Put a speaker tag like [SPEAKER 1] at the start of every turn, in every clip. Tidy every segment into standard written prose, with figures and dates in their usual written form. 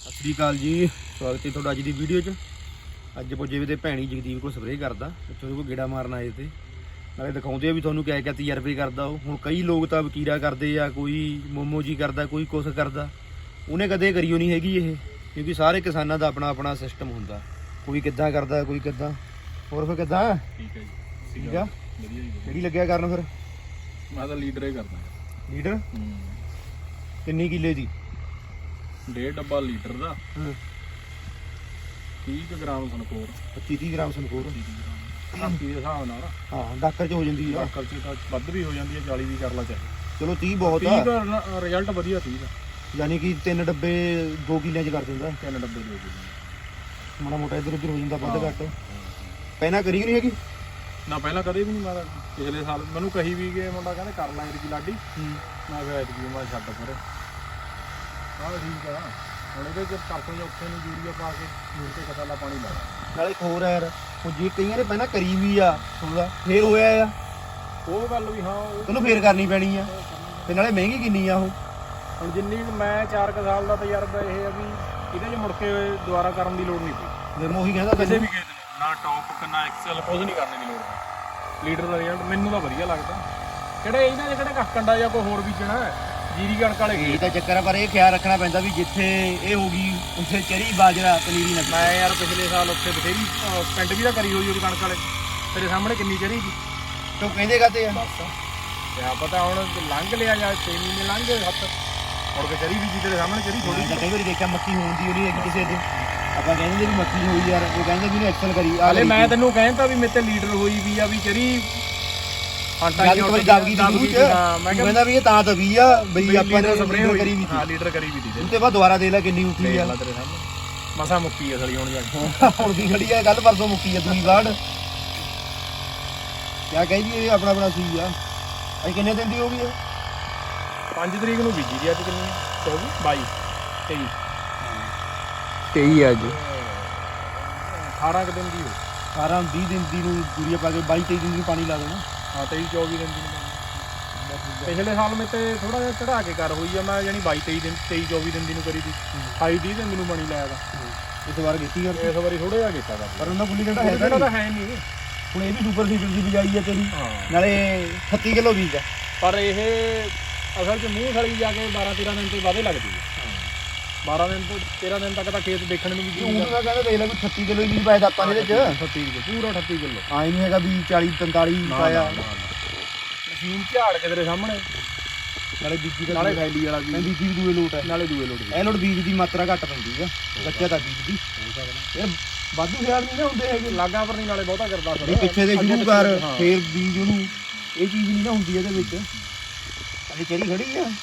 [SPEAKER 1] ਸਤਿ ਸ਼੍ਰੀ ਅਕਾਲ ਜੀ, ਸਵਾਗਤ ਹੈ ਤੁਹਾਡਾ ਅੱਜ ਦੀ ਵੀਡੀਓ 'ਚ। ਅੱਜ ਪੁੱਜੇ ਵੀ ਤੇ ਭੈਣੀ ਜਗਦੀਪ ਕੋਲ ਸਪਰੇਅ ਕਰਦਾ, ਉੱਥੇ ਉਹਦੇ ਕੋਲ ਗੇੜਾ ਮਾਰਨ ਆਏ ਤੇ ਨਾਲੇ ਦਿਖਾਉਂਦੇ ਆ ਵੀ ਤੁਹਾਨੂੰ ਕਿਆ ਤਜਰਬੇ ਕਰਦਾ ਉਹ। ਹੁਣ ਕਈ ਲੋਕ ਤਾਂ ਵਕੀਰਾ ਕਰਦੇ ਆ, ਕੋਈ ਮੋਮੋ ਜੀ ਕਰਦਾ, ਕੋਈ ਕੁਛ ਕਰਦਾ। ਉਹਨੇ ਕਦੇ ਕਰੀਓ ਨਹੀਂ ਹੈਗੀ ਇਹ, ਕਿਉਂਕਿ ਸਾਰੇ ਕਿਸਾਨਾਂ ਦਾ ਆਪਣਾ ਆਪਣਾ ਸਿਸਟਮ ਹੁੰਦਾ, ਕੋਈ ਕਿੱਦਾਂ ਕਰਦਾ, ਕੋਈ ਕਿੱਦਾਂ। ਹੋਰ ਫਿਰ ਕਿੱਦਾਂ?
[SPEAKER 2] ਠੀਕ ਹੈ ਜੀ,
[SPEAKER 1] ਠੀਕ ਆ,
[SPEAKER 2] ਵਧੀਆ ਜੀ।
[SPEAKER 1] ਕਿਹੜੀ ਲੱਗਿਆ ਕਰਨ ਫਿਰ?
[SPEAKER 2] ਮੈਂ ਤਾਂ ਲੀਡਰ ਹੀ ਕਰਦਾ।
[SPEAKER 1] ਲੀਡਰ ਕਿੰਨੀ ਕਿੱਲੇ ਦੀ?
[SPEAKER 2] 1.5 ਡੱਬਾ ਲੀਟਰ ਦਾ, 30 ਗ੍ਰਾਮ ਸਨਕੋਰ,
[SPEAKER 1] 25-30 ਗ੍ਰਾਮ ਸੰਕੋਰ।
[SPEAKER 2] ਧਰਤੀ ਦੇ ਹਿਸਾਬ ਨਾਲ
[SPEAKER 1] ਹਾਂ, ਡਾਕਰ 'ਚ ਹੋ ਜਾਂਦੀ ਆ,
[SPEAKER 2] ਖਰਚੇ ਤਾਂ ਵੱਧ ਵੀ ਹੋ ਜਾਂਦੀ ਹੈ, 40 ਵੀ ਕਰ ਲਾ ਚਾਹੇ।
[SPEAKER 1] ਚਲੋ 30 ਬਹੁਤ ਆ।
[SPEAKER 2] 30 ਦਾ ਰਿਜ਼ਲਟ ਵਧੀਆ, 30 ਦਾ
[SPEAKER 1] ਯਾਨੀ ਕਿ 3 ਡੱਬੇ 2 ਕਿੱਲਿਆਂ 'ਚ ਕਰ ਦਿੰਦਾ।
[SPEAKER 2] 3 ਡੱਬੇ ਦੇ ਦਿੰਦੇ।
[SPEAKER 1] ਮਾੜਾ ਮੋਟਾ ਇੱਧਰ ਉੱਧਰ ਹੋ ਜਾਂਦਾ, ਵੱਧ ਘੱਟ। ਪਹਿਲਾਂ ਕਰੀ ਨਹੀਂ ਹੈਗੀ
[SPEAKER 2] ਨਾ, ਪਹਿਲਾਂ ਕਦੇ ਵੀ ਨਹੀਂ ਮਾਰਾ। ਪਿਛਲੇ ਸਾਲ ਮੈਨੂੰ ਕਹੀ ਵੀ ਗਏ ਮੁੰਡਾ, ਕਹਿੰਦੇ ਕਰ ਲਾ ਇਹਦੀ ਲਾਡੀ। ਮੈਂ ਕਿਹਾ ਐਤਕੀ ਮੈਂ ਛੱਡ ਪਰ ਆਹ ਠੀਕ ਆ। ਹੁਣ ਇਹਦੇ 'ਚ ਪਰਸੋਂ ਔਖੇ ਨੂੰ ਯੂਰੀਆ ਪਾ ਕੇ ਮੂਰ ਤੇ ਕਸਾਲਾ ਪਾਣੀ ਲਾਇਆ।
[SPEAKER 1] ਨਾਲੇ ਇੱਕ ਹੋਰ ਯਾਰ, ਉਹ ਜੇ ਕਈਆਂ ਨੇ ਪਹਿਲਾਂ ਕਰੀ ਵੀ ਆ ਥੋੜਾ ਫੇਰ ਹੋਇਆ ਆ,
[SPEAKER 2] ਉਹ ਗੱਲ ਵੀ ਹਾਂ,
[SPEAKER 1] ਤੈਨੂੰ ਫੇਰ ਕਰਨੀ ਪੈਣੀ ਆ। ਤੇ ਨਾਲੇ ਮਹਿੰਗੀ ਕਿੰਨੀ ਆ ਉਹ।
[SPEAKER 2] ਹੁਣ ਜਿੰਨੀ ਮੈਂ 4 ਸਾਲ ਦਾ ਤਜਰਬਾ ਇਹ ਆ ਵੀ ਇਹਦੇ 'ਚ ਮੁੜ ਕੇ ਦੁਬਾਰਾ ਕਰਨ ਦੀ ਲੋੜ ਨਹੀਂ ਪਈ।
[SPEAKER 1] ਫਿਰ ਮੈਂ ਉਹੀ ਕਹਿੰਦਾ
[SPEAKER 2] ਕਿਸੇ ਵੀ ਖੇਤ ਨੂੰ, ਨਾ ਟੌਪ ਨਾ ਐਕਸਲ, ਕੁਝ ਨਹੀਂ ਕਰਨੇ ਦੀ ਲੋੜ ਪਈ। ਲੀਡਰ ਦਾ ਰਿਜ਼ਲਟ ਮੈਨੂੰ ਤਾਂ ਵਧੀਆ ਲੱਗਦਾ। ਕਿਹੜੇ ਇਹਨਾਂ ਦੇ ਕਿਹੜੇ ਕੱਖੰਡਾ ਜਾਂ ਕੋਈ ਹੋਰ ਬੀਜਣਾ, ਜੀਰੀ ਕਣਕ ਵਾਲੇ
[SPEAKER 1] ਇਹ ਤਾਂ ਚੱਕਰ ਆ। ਪਰ ਇਹ ਖਿਆਲ ਰੱਖਣਾ ਪੈਂਦਾ ਵੀ ਜਿੱਥੇ ਇਹ ਹੋਗੀ ਉੱਥੇ ਚਰੀ ਬਾਜਰਾ ਪਨੀਰੀ ਨਾ।
[SPEAKER 2] ਮੈਂ ਯਾਰ ਪਿਛਲੇ ਸਾਲ ਉੱਥੇ ਬਥੇਰੀ ਪਿੰਡ ਵੀ ਤਾਂ ਕਰੀ ਹੋਈ ਉਹਦੀ ਕਣਕ ਵਾਲੇ, ਤੇਰੇ ਸਾਹਮਣੇ ਕਿੰਨੀ ਚਰੀ ਸੀ।
[SPEAKER 1] ਤੂੰ ਕਹਿੰਦੇ ਕਾਤੇ ਆ?
[SPEAKER 2] ਬਸ ਕਿਆ ਪਤਾ ਹੁਣ ਲੰਘ ਲਿਆ ਜਾਂ 6 ਮਹੀਨੇ ਲੰਘ ਗਏ, ਹੱਥ ਮੁੜ ਕੇ ਚਰੀ ਬੀਜੀ ਤੇਰੇ ਸਾਹਮਣੇ। ਚਰੀ ਥੋੜੀ
[SPEAKER 1] ਮੈਂ ਕਈ ਵਾਰੀ ਦੇਖਿਆ ਮੱਕੀ ਹੋਣ ਦੀ ਉਹਦੀ ਹੈਗੀ ਕਿਸੇ ਦੇ, ਆਪਾਂ ਕਹਿੰਦੇ ਵੀ ਮੱਕੀ ਹੋਈ ਯਾਰ, ਉਹ ਕਹਿੰਦੇ ਵੀ ਉਹਨੇ ਐਕਸਲ ਕਰੀ।
[SPEAKER 2] ਹਾਲੇ ਮੈਂ ਤੈਨੂੰ ਕਹਿੰਦਾ ਵੀ ਮੇਰੇ ਤੇ ਲੀਡਰ ਹੋਈ ਵੀ ਆ, ਵੀ ਚਰੀ
[SPEAKER 1] ਮੈਂ ਕਹਿੰਦਾ ਵੀ ਇਹ ਤਾਂ ਦਵੀ ਆ ਬਈ ਆਪਾਂ ਨੇ ਸਪਰੇਅ ਕਰੀ ਵੀ।
[SPEAKER 2] ਹਾਂ, ਲੀਡਰ ਕਰੀ ਵੀ ਦੀ
[SPEAKER 1] ਉਸ ਤੋਂ ਬਾਅਦ ਦੁਬਾਰਾ ਦੇ ਲੈ ਕਿੰਨੀ ਉੱਠੀ ਆ।
[SPEAKER 2] ਤੇਰੇ ਸਾਹਮਣੇ ਮਸਾ ਮੁੱਕੀ ਆ ਸਲੀ ਹੁਣ ਜਾ ਕੇ।
[SPEAKER 1] ਹੁਣ ਵੀ ਖੜੀ ਆ, ਕੱਲ ਪਰਸੋਂ ਮੁੱਕੀ ਆ ਦੂਈ ਵਾਰ। ਕਿਆ ਕਹਿੰਦੀ ਇਹ ਆਪਣਾ ਆਪਣਾ ਸੀ ਆ। ਅੱਜ ਕਿੰਨੇ ਦਿਨ ਦੀ ਹੋ ਗਈ ਆ?
[SPEAKER 2] 5 ਤਰੀਕ ਨੂੰ ਬੀਜੀ ਦੀ। ਅੱਜ ਕਿੰਨੀ 22 23
[SPEAKER 1] 23 ਅੱਜ
[SPEAKER 2] 18 ਦਿਨ ਦੀ ਹੋ।
[SPEAKER 1] 18-20 ਦਿਨ ਦੀ ਨੂੰ ਯੂਰੀਆ ਪਾ ਕੇ 22-23 ਦਿਨ ਦੀ ਪਾਣੀ ਲਾ ਦੇਣਾ।
[SPEAKER 2] ਹਾਂ, 23-24 ਦਿਨ ਦੀ। ਪਿਛਲੇ ਸਾਲ ਮੈਂ ਤੇ ਥੋੜਾ ਜਿਹਾ ਚੜਾ ਕੇ ਕਰ ਹੋਈ ਆ, ਮੈਂ ਯਾਨੀ 22-23 ਦਿਨ 23-24 ਦਿਨ ਦੀ ਨੂੰ ਕਰੀ ਦੀ। 28-30 ਦਿਨ ਦੀ ਨੂੰ ਪਾਣੀ ਲਾਇਆ ਦਾ।
[SPEAKER 1] ਇਸ ਵਾਰ ਕੀਤੀ ਯਾਰ,
[SPEAKER 2] ਇਸ ਵਾਰੀ ਥੋੜਾ ਜਿਹਾ ਕੀਤਾ ਦਾ,
[SPEAKER 1] ਪਰ ਉਹਨਾਂ ਗੁੱਲੀ ਡੰਡਾ
[SPEAKER 2] ਹੈ ਨਹੀਂ।
[SPEAKER 1] ਹੁਣ ਇਹ ਵੀ ਸੁਪਰ ਸੀਡਰ ਦੀ ਬਿਜਾਈ ਆ ਤੇਰੀ,
[SPEAKER 2] ਹਾਂ,
[SPEAKER 1] ਨਾਲੇ 38 ਕਿਲੋ ਬੀਜ ਆ।
[SPEAKER 2] ਪਰ ਇਹ ਅਸਲ 'ਚ ਮੂੰਹ ਖਲੀ ਜਾ ਕੇ 12-13 ਦਿਨ ਤੋਂ ਬਾਅਦ ਲੱਗਦੀ ਹੈ। 12 ਦਿਨ ਤੋਂ 13 ਦਿਨ ਤੱਕ ਤਾਂ ਖੇਤ ਦੇਖਣ ਨੂੰ ਵੀ
[SPEAKER 1] ਉਹ ਮੈਂ ਕਹਿੰਦਾ ਦੇਖ ਲੈ ਵੀ 38 ਕਿਲੋ ਹੀ ਬੀਜ ਪਾਇਆ ਤਾਂ ਆਪਾਂ ਨੇ ਇਹਦੇ ਚ।
[SPEAKER 2] 38 ਕਿਲੋ, ਪੂਰਾ 38 ਕਿਲੋ।
[SPEAKER 1] ਆਈ ਨਹੀਂ ਹੈਗਾ ਵੀ 40-45 ਪਾਇਆ।
[SPEAKER 2] ਮਸ਼ੀਨ ਝਾੜ ਕੇ ਤੇਰੇ ਸਾਹਮਣੇ,
[SPEAKER 1] ਨਾਲੇ ਬੀਜੀ ਦਾ
[SPEAKER 2] ਨਾਲੇ ਫੈਲੀ ਵਾਲਾ ਵੀ,
[SPEAKER 1] ਬੀਜੀ ਵੀ ਦੂਏ ਲੋਟ ਹੈ,
[SPEAKER 2] ਨਾਲੇ ਦੂਏ ਲੋਟ।
[SPEAKER 1] ਇਹ ਲੋਟ ਬੀਜ ਦੀ ਮਾਤਰਾ ਘੱਟ ਪੈਂਦੀ ਆ, ਬੱਚਾ ਤਾਂ ਬੀਜ ਦੀ। ਇਹ ਵਾਧੂ ਖਿਆਲ ਨਹੀਂ ਨਾ ਹੁੰਦੇ ਹੈਗੇ
[SPEAKER 2] ਲਾਗਾ ਪਰ ਨਹੀਂ, ਨਾਲੇ ਬਹੁਤਾ ਕਰਦਾ ਫਿਰ।
[SPEAKER 1] ਇਹ ਪਿੱਛੇ ਦੇ ਸ਼ੁਰੂ ਕਰ ਫੇਰ ਬੀਜ ਉਹਨੂੰ, ਇਹ ਚੀਜ਼ ਨਹੀਂ ਨਾ ਹੁੰਦੀ ਇਹਦੇ ਵਿੱਚ। ਅਜੇ ਚਰੀ ਖੜੀ ਆ,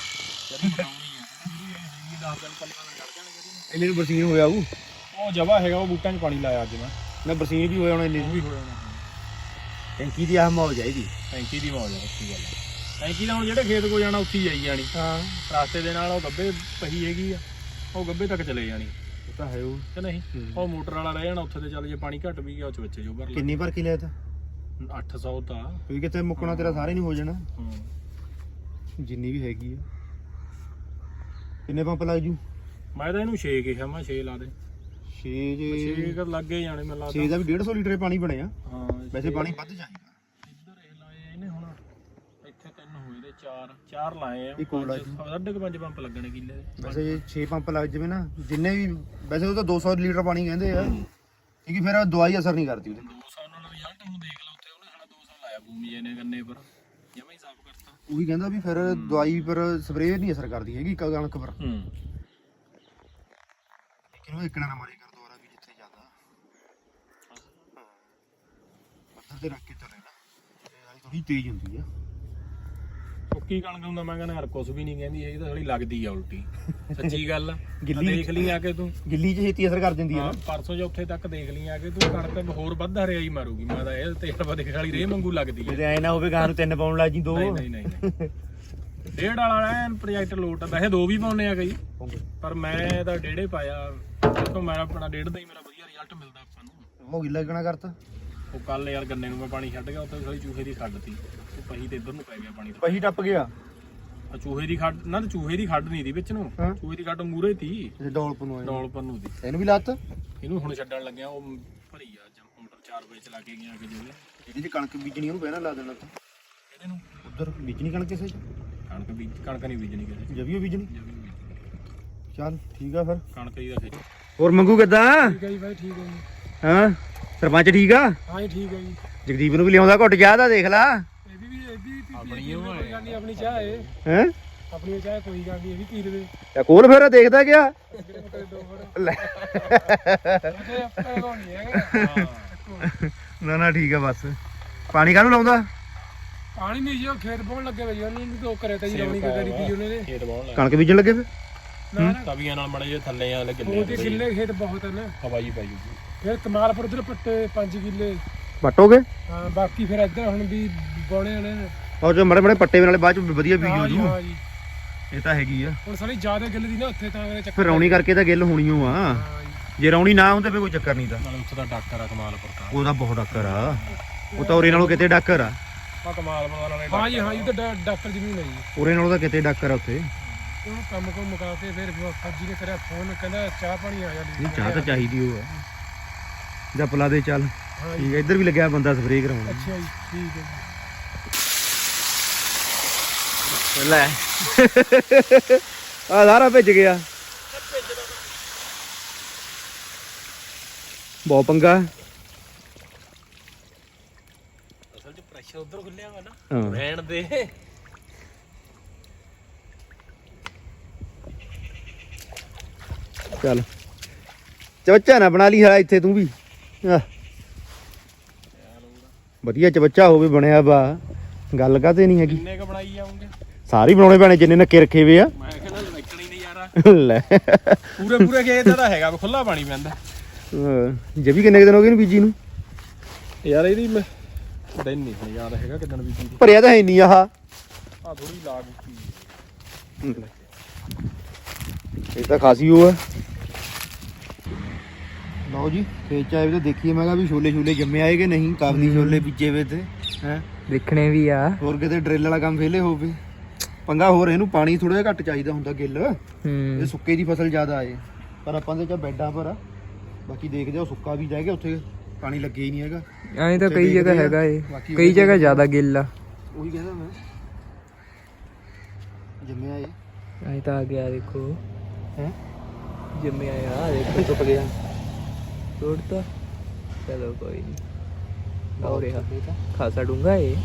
[SPEAKER 1] ਇਹਨੇ ਨੂੰ ਬਰਸੀਨ ਹੋਇਆ
[SPEAKER 2] ਉਹ ਜਵਾ ਹੈਗਾ, ਉਹ ਬੂਟਾਂ 'ਚ ਪਾਣੀ ਲਾਇਆ ਅੱਜ ਮੈਂ
[SPEAKER 1] ਬਰਸੀਨ ਵੀ ਹੋ ਜਾਣਾ ਇਹਨੇ
[SPEAKER 2] ਵੀ ਹੋ ਜਾਣਾ।
[SPEAKER 1] ਟੈਂਕੀ ਦੀ ਆਹ ਮੌਜ ਚਾਹੀਦੀ।
[SPEAKER 2] ਟੈਂਕੀ ਦੀ ਮੌਜ ਆ, ਅੱਛੀ ਗੱਲ ਆ। ਟੈਂਕੀ ਦਾ ਹੁਣ ਜਿਹੜੇ ਖੇਤ ਕੋ ਜਾਣਾ ਉੱਥੇ ਹੀ ਜਾਈ ਜਾਣੀ।
[SPEAKER 1] ਹਾਂ,
[SPEAKER 2] ਰਸਤੇ ਦੇ ਨਾਲ ਉਹ ਗੱਬੇ ਪਹੀ ਹੈਗੀ ਆ, ਉਹ ਗੱਬੇ ਤੱਕ ਚਲੇ ਜਾਣੀ।
[SPEAKER 1] ਉਹ ਤਾਂ ਹੈ ਉਹ
[SPEAKER 2] ਕਿ ਨਹੀਂ? ਉਹ ਮੋਟਰ ਵਾਲਾ ਰਹਿ ਜਾਣਾ ਉੱਥੇ ਤੇ, ਚੱਲ ਜੇ ਪਾਣੀ ਘੱਟ ਵੀ ਗਿਆ ਉਹ 'ਚ ਬੱਚੇ ਜੋ ਭਰ ਲੈ।
[SPEAKER 1] ਕਿੰਨੀ ਭਰ ਕੇ ਲਿਆ ਤਾ?
[SPEAKER 2] 800 ਤਾਂ
[SPEAKER 1] ਕੋਈ ਕਿਤੇ ਮੁੱਕਣਾ ਤੇਰਾ ਸਾਰੇ ਨਹੀਂ ਹੋ ਜਾਣਾ, ਜਿੰਨੀ ਵੀ ਹੈਗੀ ਆ। ਕਿੰਨੇ ਪੰਪ ਲੱਗ ਜੂ?
[SPEAKER 2] ਮੈਂ ਤਾਂ ਇਹਨੂੰ 6 ਕਿਹਾ, ਮੈਂ 6 ਲਾ ਦੇ।
[SPEAKER 1] 6
[SPEAKER 2] 6 ਲੱਗੇ ਜਾਣੇ ਮੈਨੂੰ ਲੱਗਦਾ।
[SPEAKER 1] 6 ਦਾ ਵੀ 150 ਲੀਟਰ ਪਾਣੀ ਬਣਿਆ।
[SPEAKER 2] ਹਾਂ,
[SPEAKER 1] ਵੈਸੇ ਪਾਣੀ ਵੱਧ ਚਾਹੀਦਾ।
[SPEAKER 2] ਇੱਧਰ ਇਹ ਲਾਏ ਇਹਨੇ, ਹੁਣ ਇੱਥੇ 3 ਹੋਏ ਤੇ 4 ਲਾਏ ਆ।
[SPEAKER 1] ਇੱਕ ਹੋਰ ਲਾ ਜੀ।
[SPEAKER 2] 5.5 ਪੰਪ ਲੱਗਣੇ ਕਿੱਲੇ ਦੇ।
[SPEAKER 1] ਵੈਸੇ 6 ਪੰਪ ਲੱਗ ਜਵੇ ਨਾ, ਜਿੰਨੇ ਵੀ ਵੈਸੇ ਉਹ ਤਾਂ 200 ਲੀਟਰ ਪਾਣੀ ਕਹਿੰਦੇ ਆ, ਕਿਉਂਕਿ ਫਿਰ ਦਵਾਈ ਅਸਰ ਨਹੀਂ ਕਰਦੀ ਉਹਦੇ।
[SPEAKER 2] 200 ਨਾਲ ਰਿਜ਼ਲਟ ਹੁਣ ਦੇਖ ਲਾ, ਉੱਥੇ ਉਹਨੇ ਸਾਡਾ 200 ਲਾਇਆ ਭੂਮੀ ਜੀ ਨੇ ਗੰਨੇ ਪਰ, ਜਮਾ ਹੀ ਸਾਫ਼ ਕਰਤਾ।
[SPEAKER 1] ਉਹੀ ਕਹਿੰਦਾ ਵੀ ਫਿਰ ਦਵਾਈ ਪਰ ਸਪਰੇਅ ਨਹੀਂ ਅਸਰ ਕਰਦੀ ਹੈਗੀ ਕਣਕ ਪਰ। ਲੇਕਿਨ ਉਹ ਇੱਕਣਾ ਨਾ ਮਾਰੇ ਕਰ ਦੁਬਾਰਾ ਵੀ ਜਿੱਥੇ ਜ਼ਿਆਦਾ ਪੱਥਰ ਤੇ ਰੱਖ ਕੇ ਚੱਲੇ ਨਾ, ਇਹ ਥੋੜੀ ਤੇਜ਼ ਹੁੰਦੀ ਆ।
[SPEAKER 2] ਸੁੱਕੀ ਕਣਕ ਹੁੰਦਾ ਮੈਂ ਕਹਿੰਦਾ ਯਾਰ ਕੁਛ ਵੀ ਨਹੀਂ ਕਹਿੰਦੀ, ਇਹ ਤਾਂ ਥੋੜੀ ਲੱਗਦੀ ਆ ਉਲਟੀ। ਸੱਚੀ ਗੱਲ ਆ।
[SPEAKER 1] ਗਿੱਲੀ
[SPEAKER 2] ਦੇਖ ਲਈ ਆ ਕੇ ਤੂੰ,
[SPEAKER 1] ਗਿੱਲੀ 'ਚ ਛੇਤੀ ਅਸਰ ਕਰ ਦਿੰਦੀ ਆ।
[SPEAKER 2] ਪਰਸੋਂ ਜੋ ਉੱਥੇ ਤੱਕ ਦੇਖ ਲਈ ਆ ਕੇ ਤੂੰ, ਕਣਕ ਹੋਰ ਵੱਧ ਹਰਿਆਈ ਮਾਰੂਗੀ। ਮੈਂ ਤਾਂ ਇਹ ਤੇਲ ਦੇਖ ਵਾਲੀ ਰੇਹ ਵਾਂਗੂ ਲੱਗਦੀ ਆ।
[SPEAKER 1] ਜੇ ਐ ਨਾ ਹੋਵੇ ਗਾਂ ਨੂੰ 3 ਪਾਉਣ ਲੱਗ ਜੀ 2।
[SPEAKER 2] ਨਹੀਂ 1.5 ਵਾਲਾ ਐਨ ਪ੍ਰੋਜੈਕਟ ਲੋਟ ਆ। ਵੈਸੇ 2 ਵੀ ਪਾਉਨੇ ਆ ਕਈ, ਪਰ ਮੈਂ ਤਾਂ 1.5 ਪਾਇਆ। ਦੇਖੋ ਮੇਰਾ ਆਪਣਾ 1.5 ਦਾ ਹੀ ਮੇਰਾ ਵਧੀਆ ਰਿਜ਼ਲਟ ਮਿਲਦਾ ਆਪਾਂ ਨੂੰ।
[SPEAKER 1] ਉਹ ਗਿੱਲਾ ਕਿਹਨਾਂ ਕਰਤਾ?
[SPEAKER 2] ਉਹ ਕੱਲ ਯਾਰ ਗੰਨੇ ਨੂੰ ਮੈਂ ਪਾਣੀ ਛੱਡ ਗਿਆ, ਉੱਥੇ ਸਾਲੀ ਚੂਹੇ ਦੀ ਖੱਡ ਤੀ, ਉਹ ਪਹੀ ਤੇ ਇੱਧਰ ਨੂੰ ਪੈ ਗਿਆ ਪਾਣੀ।
[SPEAKER 1] ਪਹੀ ਟੱਪ ਗਿਆ।
[SPEAKER 2] ਚੂਹੇ ਦੀ ਖੱਡ ਨਾ, ਚੂਹੇ ਦੀ ਖੱਡ ਨਹੀਂ ਦੀ ਵਿੱਚ ਨੂੰ,
[SPEAKER 1] ਹਾਂ।
[SPEAKER 2] ਚੂਹੇ ਦੀ ਖੱਡ ਮੂਰੇ ਤੀ
[SPEAKER 1] ਡੌਲਪ ਨੂੰ ਆਏ
[SPEAKER 2] ਡੌਲ ਪੰਨੂ ਦੀ।
[SPEAKER 1] ਇਹਨੂੰ ਵੀ ਲੱਤ
[SPEAKER 2] ਇਹਨੂੰ ਹੁਣ ਛੱਡਣ ਲੱਗਿਆ, ਉਹ ਭਰੀ ਆ ਮੋਟਰ 4 ਵਜੇ ਚਲਾ ਕੇ ਗਿਆ ਕਿ ਜਿਹੜੇ
[SPEAKER 1] ਇਹਦੀ ਜੇ ਕਣਕ ਬੀਜਣੀ ਉਹਨੂੰ ਪਹਿਲਾਂ ਲਾ ਦੇਣਾ ਤਾਂ
[SPEAKER 2] ਇਹਦੇ ਨੂੰ
[SPEAKER 1] ਉਧਰ ਬੀਜਣੀ ਕਣਕ ਕਿਸੇ ਚ
[SPEAKER 2] ਕਣਕ ਨਹੀਂ ਬੀਜਣੀ ਕਿਸੇ
[SPEAKER 1] ਜਵੀਓ ਬੀਜਣੀ
[SPEAKER 2] ਚ।
[SPEAKER 1] ਚੱਲ ਠੀਕ ਆ ਫਿਰ
[SPEAKER 2] ਕਣਕ ਦੀ ਦਾ ਖੇਤ।
[SPEAKER 1] ਹੋਰ ਮੰਗੂ ਕਿੱਦਾਂ
[SPEAKER 2] ਠੀਕ ਹੈ ਜੀ ਬਾਈ, ਠੀਕ ਹੈ ਜੀ।
[SPEAKER 1] ਹਾਂ ਸਰਪੰਚ ਠੀਕ ਆ
[SPEAKER 2] ਹਾਂ ਜੀ ਠੀਕ ਹੈ ਜੀ।
[SPEAKER 1] ਜਗਦੀਪ ਨੂੰ ਵੀ ਲਿਆਉਂਦਾ ਘੁੱਟ ਚਾਹ ਦਾ ਦੇਖ ਲਾ
[SPEAKER 2] ਇਹਦੀ ਆਪਣੀ ਉਹ ਹੈ, ਆਪਣੀ ਚਾਹ ਹੈ,
[SPEAKER 1] ਹੈ
[SPEAKER 2] ਆਪਣੀ ਚਾਹ ਕੋਈ ਗੱਲ ਨਹੀਂ, ਇਹ ਵੀ ਪੀ ਲਵੇ।
[SPEAKER 1] ਤੇ ਕੋਲ ਫਿਰ ਦੇਖਦਾ ਗਿਆ ਲੈ ਨਾ ਨਾ ਠੀਕ ਆ ਬਸ ਪਾਣੀ ਕਾਹਨੂੰ ਲਾਉਂਦਾ
[SPEAKER 2] ਪਾਣੀ ਨਹੀਂ ਜੀ, ਉਹ ਖੇਤ ਪਾਉਣ ਲੱਗੇ ਵੇ ਜੀ, ਉਹਨੂੰ ਤੋਂ ਕਰੇ ਤਾਂ ਜੀ ਰੌਣੀ ਕਰੀ ਤੀ ਉਹਨੇ ਦੇ ਖੇਤ ਪਾਉਣ ਲੱਗੇ,
[SPEAKER 1] ਕਣਕ ਬੀਜਣ ਲੱਗੇ ਫਿਰ
[SPEAKER 2] ਨਾ ਤਵੀਆਂ ਨਾਲ ਮੜੇ ਜੇ ਥੱਲੇ ਆ ਲੱਗੇ ਉਹਦੇ ਕਿੱਲੇ ਖੇਤ ਬਹੁਤ ਹਨ, ਹਵਾਈ ਪਾਈ ਜੀ। ਫਿਰ ਕਮਾਲਪੁਰ ਉਧਰ ਪੱਟੇ 5 ਕਿੱਲੇ
[SPEAKER 1] ਵੱਟੋਗੇ
[SPEAKER 2] ਹਾਂ, ਬਾਕੀ ਫਿਰ ਇੱਧਰ ਹੁਣ ਵੀ ਬੋਣੇ ਨੇ।
[SPEAKER 1] ਔਰ ਜੋ ਮੜੇ ਮੜੇ ਪੱਟੇ ਨਾਲੇ ਬਾਅਦ ਚ ਵਧੀਆ ਬੀਜ ਹੋ ਜੂ
[SPEAKER 2] ਹਾਂ ਜੀ,
[SPEAKER 1] ਇਹ ਤਾਂ ਹੈਗੀ ਆ
[SPEAKER 2] ਹੁਣ ਸਾਲੀ ਜ਼ਿਆਦਾ ਗਿੱਲ ਦੀ ਨਾ ਉੱਥੇ, ਤਾਂ ਮੇਰੇ ਚੱਕਰ
[SPEAKER 1] ਫਿਰ ਰੌਣੀ ਕਰਕੇ ਤਾਂ ਗਿੱਲ ਹੋਣੀ ਓ ਆ
[SPEAKER 2] ਹਾਂ ਜੀ।
[SPEAKER 1] ਜੇ ਰੌਣੀ ਨਾ ਹੁੰਦੇ ਫਿਰ ਕੋਈ ਚੱਕਰ ਨਹੀਂ ਤਾਂ
[SPEAKER 2] ਨਾਲੇ ਉੱਥੇ ਦਾ ਡਾਕਟਰ ਆ ਕਮਾਲਪੁਰ ਦਾ,
[SPEAKER 1] ਉਹਦਾ ਬਹੁਤ ਡਾਕਰ ਆ ਉਹ ਤਾਂ ਉਰੇ ਨਾਲੋਂ ਕਿਤੇ ਡਾਕਰ ਆ
[SPEAKER 2] ਆ ਕਮਾਲਪੁਰ ਵਾਲੇ ਹਾਂ ਜੀ। ਹਾਂ ਜੀ, ਤਾਂ ਡਾਕਟਰ ਜ਼ਮੀਨ ਹੈ ਜੀ,
[SPEAKER 1] ਉਰੇ ਨਾਲੋਂ ਤਾਂ ਕਿਤੇ ਡਾਕਰ ਆ ਉੱਥੇ
[SPEAKER 2] ਉਹਨੂੰ ਕੰਮ ਕੋ ਮੁਕਾ ਕੇ ਫਿਰ ਫੱਜੀ ਨੇ ਕਰਿਆ ਫੋਨ, ਕਹਿੰਦਾ ਚਾਹ ਪਾਣੀ ਆ ਜਾ।
[SPEAKER 1] ਇਹ ਚਾਹ ਤਾਂ ਚਾਹੀਦੀ ਉਹ ਆ ਜਾਂ ਪਲਾ ਦੇ ਚੱਲ
[SPEAKER 2] ਹਾਂ
[SPEAKER 1] ਠੀਕ ਆ ਇੱਧਰ ਵੀ ਲੱਗਿਆ ਬੰਦਾ ਸਪਰੇਅ ਕਰਾਉਣ
[SPEAKER 2] ਅੱਛਾ ਜੀ, ਠੀਕ ਹੈ ਜੀ।
[SPEAKER 1] ਲੈ ਆ ਸਾਰਾ ਭਿੱਜ ਗਿਆ ਬਹੁਤ ਪੰਗਾ
[SPEAKER 2] ਅਸਲ 'ਚ ਪ੍ਰੈਸ਼ਰ ਉਧਰ ਖੁੱਲਿਆ ਵਾ ਨਾ,
[SPEAKER 1] ਹਾਂ
[SPEAKER 2] ਰਹਿਣ ਦੇ।
[SPEAKER 1] ਚੱਲ ਚਵੱਚਾ ਨਾ ਬਣਾ ਲਈ ਹਾਲਾ ਇੱਥੇ ਤੂੰ ਵੀ ਆਹ ਵਧੀਆ ਚਵੱਚਾ ਹੋਵੇ ਬਣਿਆ ਵਾ ਗੱਲ ਕਾਤੇ ਨਹੀਂ ਹੈਗੀ
[SPEAKER 2] ਕਿੰਨੇ ਕ ਬਣਾਈ ਜਾਉਂਗੇ,
[SPEAKER 1] ਸਾਰੇ ਹੀ ਬਣਾਉਣੇ ਪੈਣੇ ਜਿੰਨੇ ਨੱਕੇ ਰੱਖੇ ਵੇ ਆ
[SPEAKER 2] ਮੈਂ ਕਹਿੰਦਾ ਲੱਕਣੀ ਨਹੀਂ ਯਾਰਾ
[SPEAKER 1] ਲੈ
[SPEAKER 2] ਪੂਰੇ ਖੇਤ ਦਾ ਹੈਗਾ, ਖੁੱਲਾ ਪਾਣੀ ਪੈਂਦਾ
[SPEAKER 1] ਜੇ ਵੀ ਕਿੰਨੇ ਕੁ ਦਿਨ ਹੋ ਗਏ ਨੂੰ ਬੀਜੀ ਨੂੰ
[SPEAKER 2] ਯਾਰ। ਇਹਦੀ ਮੈਂ ਦਿਨ ਨਹੀਂ ਹੁਣ ਯਾਦ ਹੈਗਾ ਕਿਦਣ ਬੀਜੀ ਦੀ,
[SPEAKER 1] ਭਰਿਆ ਤਾਂ ਹੈ ਨਹੀਂ ਆਹ
[SPEAKER 2] ਆ ਥੋੜੀ ਲਾਗ ਉੱਚੀ।
[SPEAKER 1] ਇਹ ਤਾਂ ਖਾਸੀ ਉਹ ਆ ਲਓ ਜੀ ਖੇਤ ਚ ਆਏ ਵੀ ਤਾਂ ਦੇਖੀਏ ਮੈਂ ਕਿਹਾ ਵੀ ਛੋਲੇ ਛੋਲੇ ਜੰਮੇ ਆਏ ਕਿ ਨਹੀਂ, ਕਾਬਲੀ ਛੋਲੇ ਬੀਜੇ ਵੇ ਤੇ ਹੈ
[SPEAKER 3] ਦੇਖਣੇ ਵੀ ਆ।
[SPEAKER 1] ਹੋਰ ਕਿਤੇ ਡਰਿੱਲ ਵਾਲਾ ਕੰਮ ਫੇਲੇ ਹੋਵੇ ਪੰਗਾ। ਹੋਰ ਇਹਨੂੰ ਪਾਣੀ ਥੋੜਾ ਜਿਹਾ ਘੱਟ ਚਾਹੀਦਾ ਹੁੰਦਾ ਗਿੱਲ, ਇਹ ਸੁੱਕੇ ਦੀ ਫਸਲ ਜ਼ਿਆਦਾ ਆਏ ਪਰ ਆਪਾਂ ਦੇ ਚ ਬੈਡਾਂ ਪਰ ਆ। ਬਾਕੀ ਦੇਖਦੇ ਆ ਸੁੱਕਾ ਵੀ ਜਾਏਗਾ, ਉੱਥੇ ਪਾਣੀ ਲੱਗੇ ਹੀ ਨਹੀਂ ਹੈਗਾ।
[SPEAKER 3] ਐਂ ਤਾਂ ਕਈ ਜਗ੍ਹਾ ਹੈਗਾ ਏ, ਕਈ ਜਗ੍ਹਾ ਜ਼ਿਆਦਾ ਗਿੱਲ ਆ।
[SPEAKER 1] ਉਹੀ ਕਹਿੰਦਾ ਮੈਂ ਜੰਮਿਆ ਇਹ
[SPEAKER 3] ਐਂ ਤਾਂ ਆ ਗਿਆ ਦੇਖੋ,
[SPEAKER 1] ਹੈ
[SPEAKER 3] ਜੰਮਿਆ ਆ ਦੇਖੋ, ਟੁੱਟ ਗਿਆ ਤੋੜਤਾ। ਚਲੋ ਕੋਈ ਨਹੀਂ, ਹੋ ਰਿਹਾ ਖਾਸਾ ਡੂੰਗਾ ਏ।